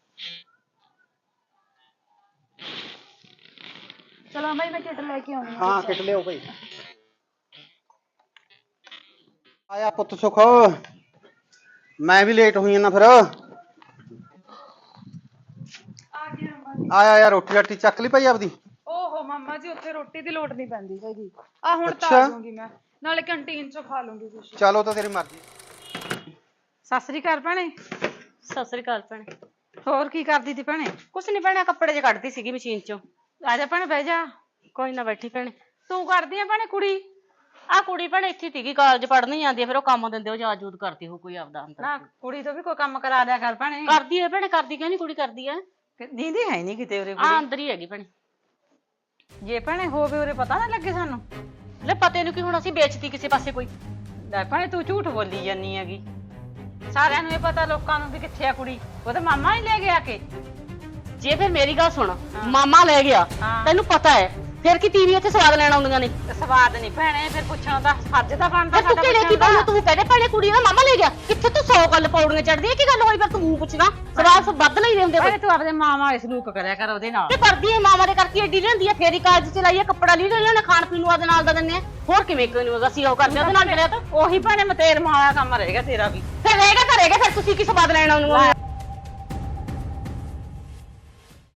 ਚਲੋ ਮਾਮਾ ਜੀ ਮੈਂ ਕਿੱਟ ਲੈ ਕੇ ਆਉਂਦੀ ਹਾਂ ਕਿੱਟ ਲਿਓ ਭਾਈ। ਆਇਆ ਪੁੱਤ ਸੁਖ ਮੈਂ ਵੀ ਲੇਟ ਹੋਈ ਨਾ ਫਿਰ। ਆ ਗਿਆ ਮਾਮਾ ਜੀ। ਆਇਆ ਯਾਰ ਰੋਟੀ ਰਾਟੀ ਚੱਕ ਲਈ ਭਾਈ ਆਪਦੀ। ਓਹੋ ਮਾਮਾ ਜੀ ਉੱਥੇ ਰੋਟੀ ਦੀ ਲੋੜ ਨਹੀਂ ਪੈਂਦੀ ਹੈਗੀ। ਆ ਹੁਣ ਤਾਂ ਅੱਛਾ। ਆ ਜਾਊਂਗੀ ਮੈਂ ਨਾਲੇ ਕੰਟੀਨ ਚੋਂ ਖਾ ਲੂੰਗੀ ਕੁਛ। ਚਲੋ ਤਾਂ ਤੇਰੀ ਮਰਜ਼ੀ। ਸਤਿ ਸ੍ਰੀ ਅਕਾਲ ਭੈਣੇ। ਸਤਿ ਸ੍ਰੀ ਅਕਾਲ ਭੈਣੇ। ਹੋਰ ਕੀ ਕਰਦੀ ਤੀ ਭੈਣੇ? ਕੁਛ ਨੀ ਭੈਣੇ ਕੱਪੜੇ ਜੇ ਕੱਢਦੀ ਸੀਗੀ ਮਸ਼ੀਨ ਚੋਂ। ਆ ਜਾ ਭੈਣੇ ਬਹਿ ਜਾ। ਕੋਈ ਨਾ ਬੈਠੀ ਭੈਣੇ। ਤੂੰ ਕਰਦੀ ਆ ਭੈਣੇ ਕੁੜੀ? ਆ ਕੁੜੀ ਭੈਣੇ ਇੱਥੇ ਸੀਗੀ ਕਾਲਜ ਪੜ੍ਹਨ ਹੀ ਜਾਂਦੀ ਆ ਫਿਰ ਉਹ ਕੰਮ ਦਿੰਦੇ ਉਹ ਯਾਦ ਯੂਦ ਕਰਦੀ ਹੋ ਕੋਈ ਆਪਦਾ ਅੰਦਰ। ਨਾ ਕੁੜੀ ਤੋਂ ਵੀ ਕੋਈ ਕੰਮ ਕਰਾ ਦਿਆ ਕਰ ਭੈਣੇ। ਕਰਦੀ ਐ ਭੈਣੇ ਕਰਦੀ ਕਿਉਂ ਨੀ ਕੁੜੀ ਕਰਦੀ ਐ। ਦੀਦੀ ਹੈ ਨਹੀਂ ਕਿਤੇ ਉਰੇ ਆ ਅੰਦਰ ਹੀ ਹੈਗੀ ਭੈਣੇ। ਜੇ ਭੈਣੇ ਹੋਵੇ ਉਰੇ ਪਤਾ ਨਾ ਲੱਗੇ ਸਾਨੂੰ। ਲੈ ਪਤੇ ਨੂੰ ਕੀ ਹੁਣ ਅਸੀਂ ਵੇਚਤੀ ਕਿਸੇ ਪਾਸੇ ਕੋਈ। ਲੈ ਭੈਣੇ ਤੂੰ ਝੂਠ ਬੋਲੀ ਜਾਨੀ ਹੈਗੀ। ਸਾਰਿਆਂ ਨੂੰ ਇਹ ਪਤਾ ਲੋਕਾਂ ਨੂੰ ਵੀ ਕਿੱਥੇ ਆ ਕੁੜੀ। ਉਹ ਤਾਂ ਮਾਮਾ ਹੀ ਲੈ ਗਿਆ ਕੇ। ਜੇ ਫਿਰ ਮੇਰੀ ਗੱਲ ਸੁਣ ਮਾਮਾ ਲੈ ਗਿਆ ਤੈਨੂੰ ਪਤਾ ਹੈ ਫਿਰ ਕੀ ਟੀਵੀ ਉੱਥੇ ਸਵਾਦ ਲੈਣ ਆਉਂਦੀਆਂ ਨੇ। ਸਵਾਦ ਨਹੀਂ ਭੈਣੇ ਫਿਰ ਪੁੱਛਣਾ ਤਾਂ ਫਰਜ਼ ਤਾਂ ਬਣਦਾ ਤੂੰ ਕਿਹੜੇ ਕੀ ਬੋਲ ਤੂੰ ਕਹਿੰਦੇ ਭੈਣੇ ਕੁੜੀ ਦਾ ਮਾਮਾ ਲੈ ਗਿਆ ਕਿੱਥੇ ਤੂੰ ਸੌ ਗੱਲ ਪੌੜੀਆਂ ਚੜਦੀ ਹੈ ਕੀ ਗੱਲ ਹੋਈ ਫਿਰ ਤੂੰ ਮੂੰਹ ਪੁੱਛਣਾ ਸਵਾਲ ਸਭ ਵੱਧ ਲਈ ਹੁੰਦੇ ਭੈਣੇ ਤੂੰ ਆਪਣੇ ਮਾਮਾ ਵਾਲੇ ਸਲੂਕ ਕਰਿਆ ਕਰ ਉਹਦੇ ਨਾਲ। ਤੇ ਕਰਦੀ ਹੈ ਮਾਮਾ ਦੇ ਕਰਕੇ ਏਡੀ ਲੈਂਦੀ ਹੈ ਫੇਰ ਹੀ ਕਾਲਜ ਚ ਲਾਈਏ ਕੱਪੜਾ ਲਈ ਲੈਣੇ ਖਾਣ ਪੀਣ ਨੂੰ ਉਹਦੇ ਨਾਲ ਦਾ ਦਿੰਦੇ ਆ ਹੋਰ ਕਿਵੇਂ ਕੋਈ ਅਸੀਂ ਉਹ ਕਰਦੇ ਉਹਦੇ ਨਾਲ ਕਰਿਆ ਤਾਂ ਉਹੀ ਭੈਣੇ ਮਤੇਰ ਮਾਇਆ ਕੰਮ ਰਹੇਗਾ ਤੇਰਾ ਵੀ। ਫਿਰ ਰਹੇਗਾ ਕਰੇਗਾ ਫਿਰ ਤੁਸੀਂ ਕੀ ਸਵਾਦ ਲੈਣ ਆਉਂਦੇ ਹੋ।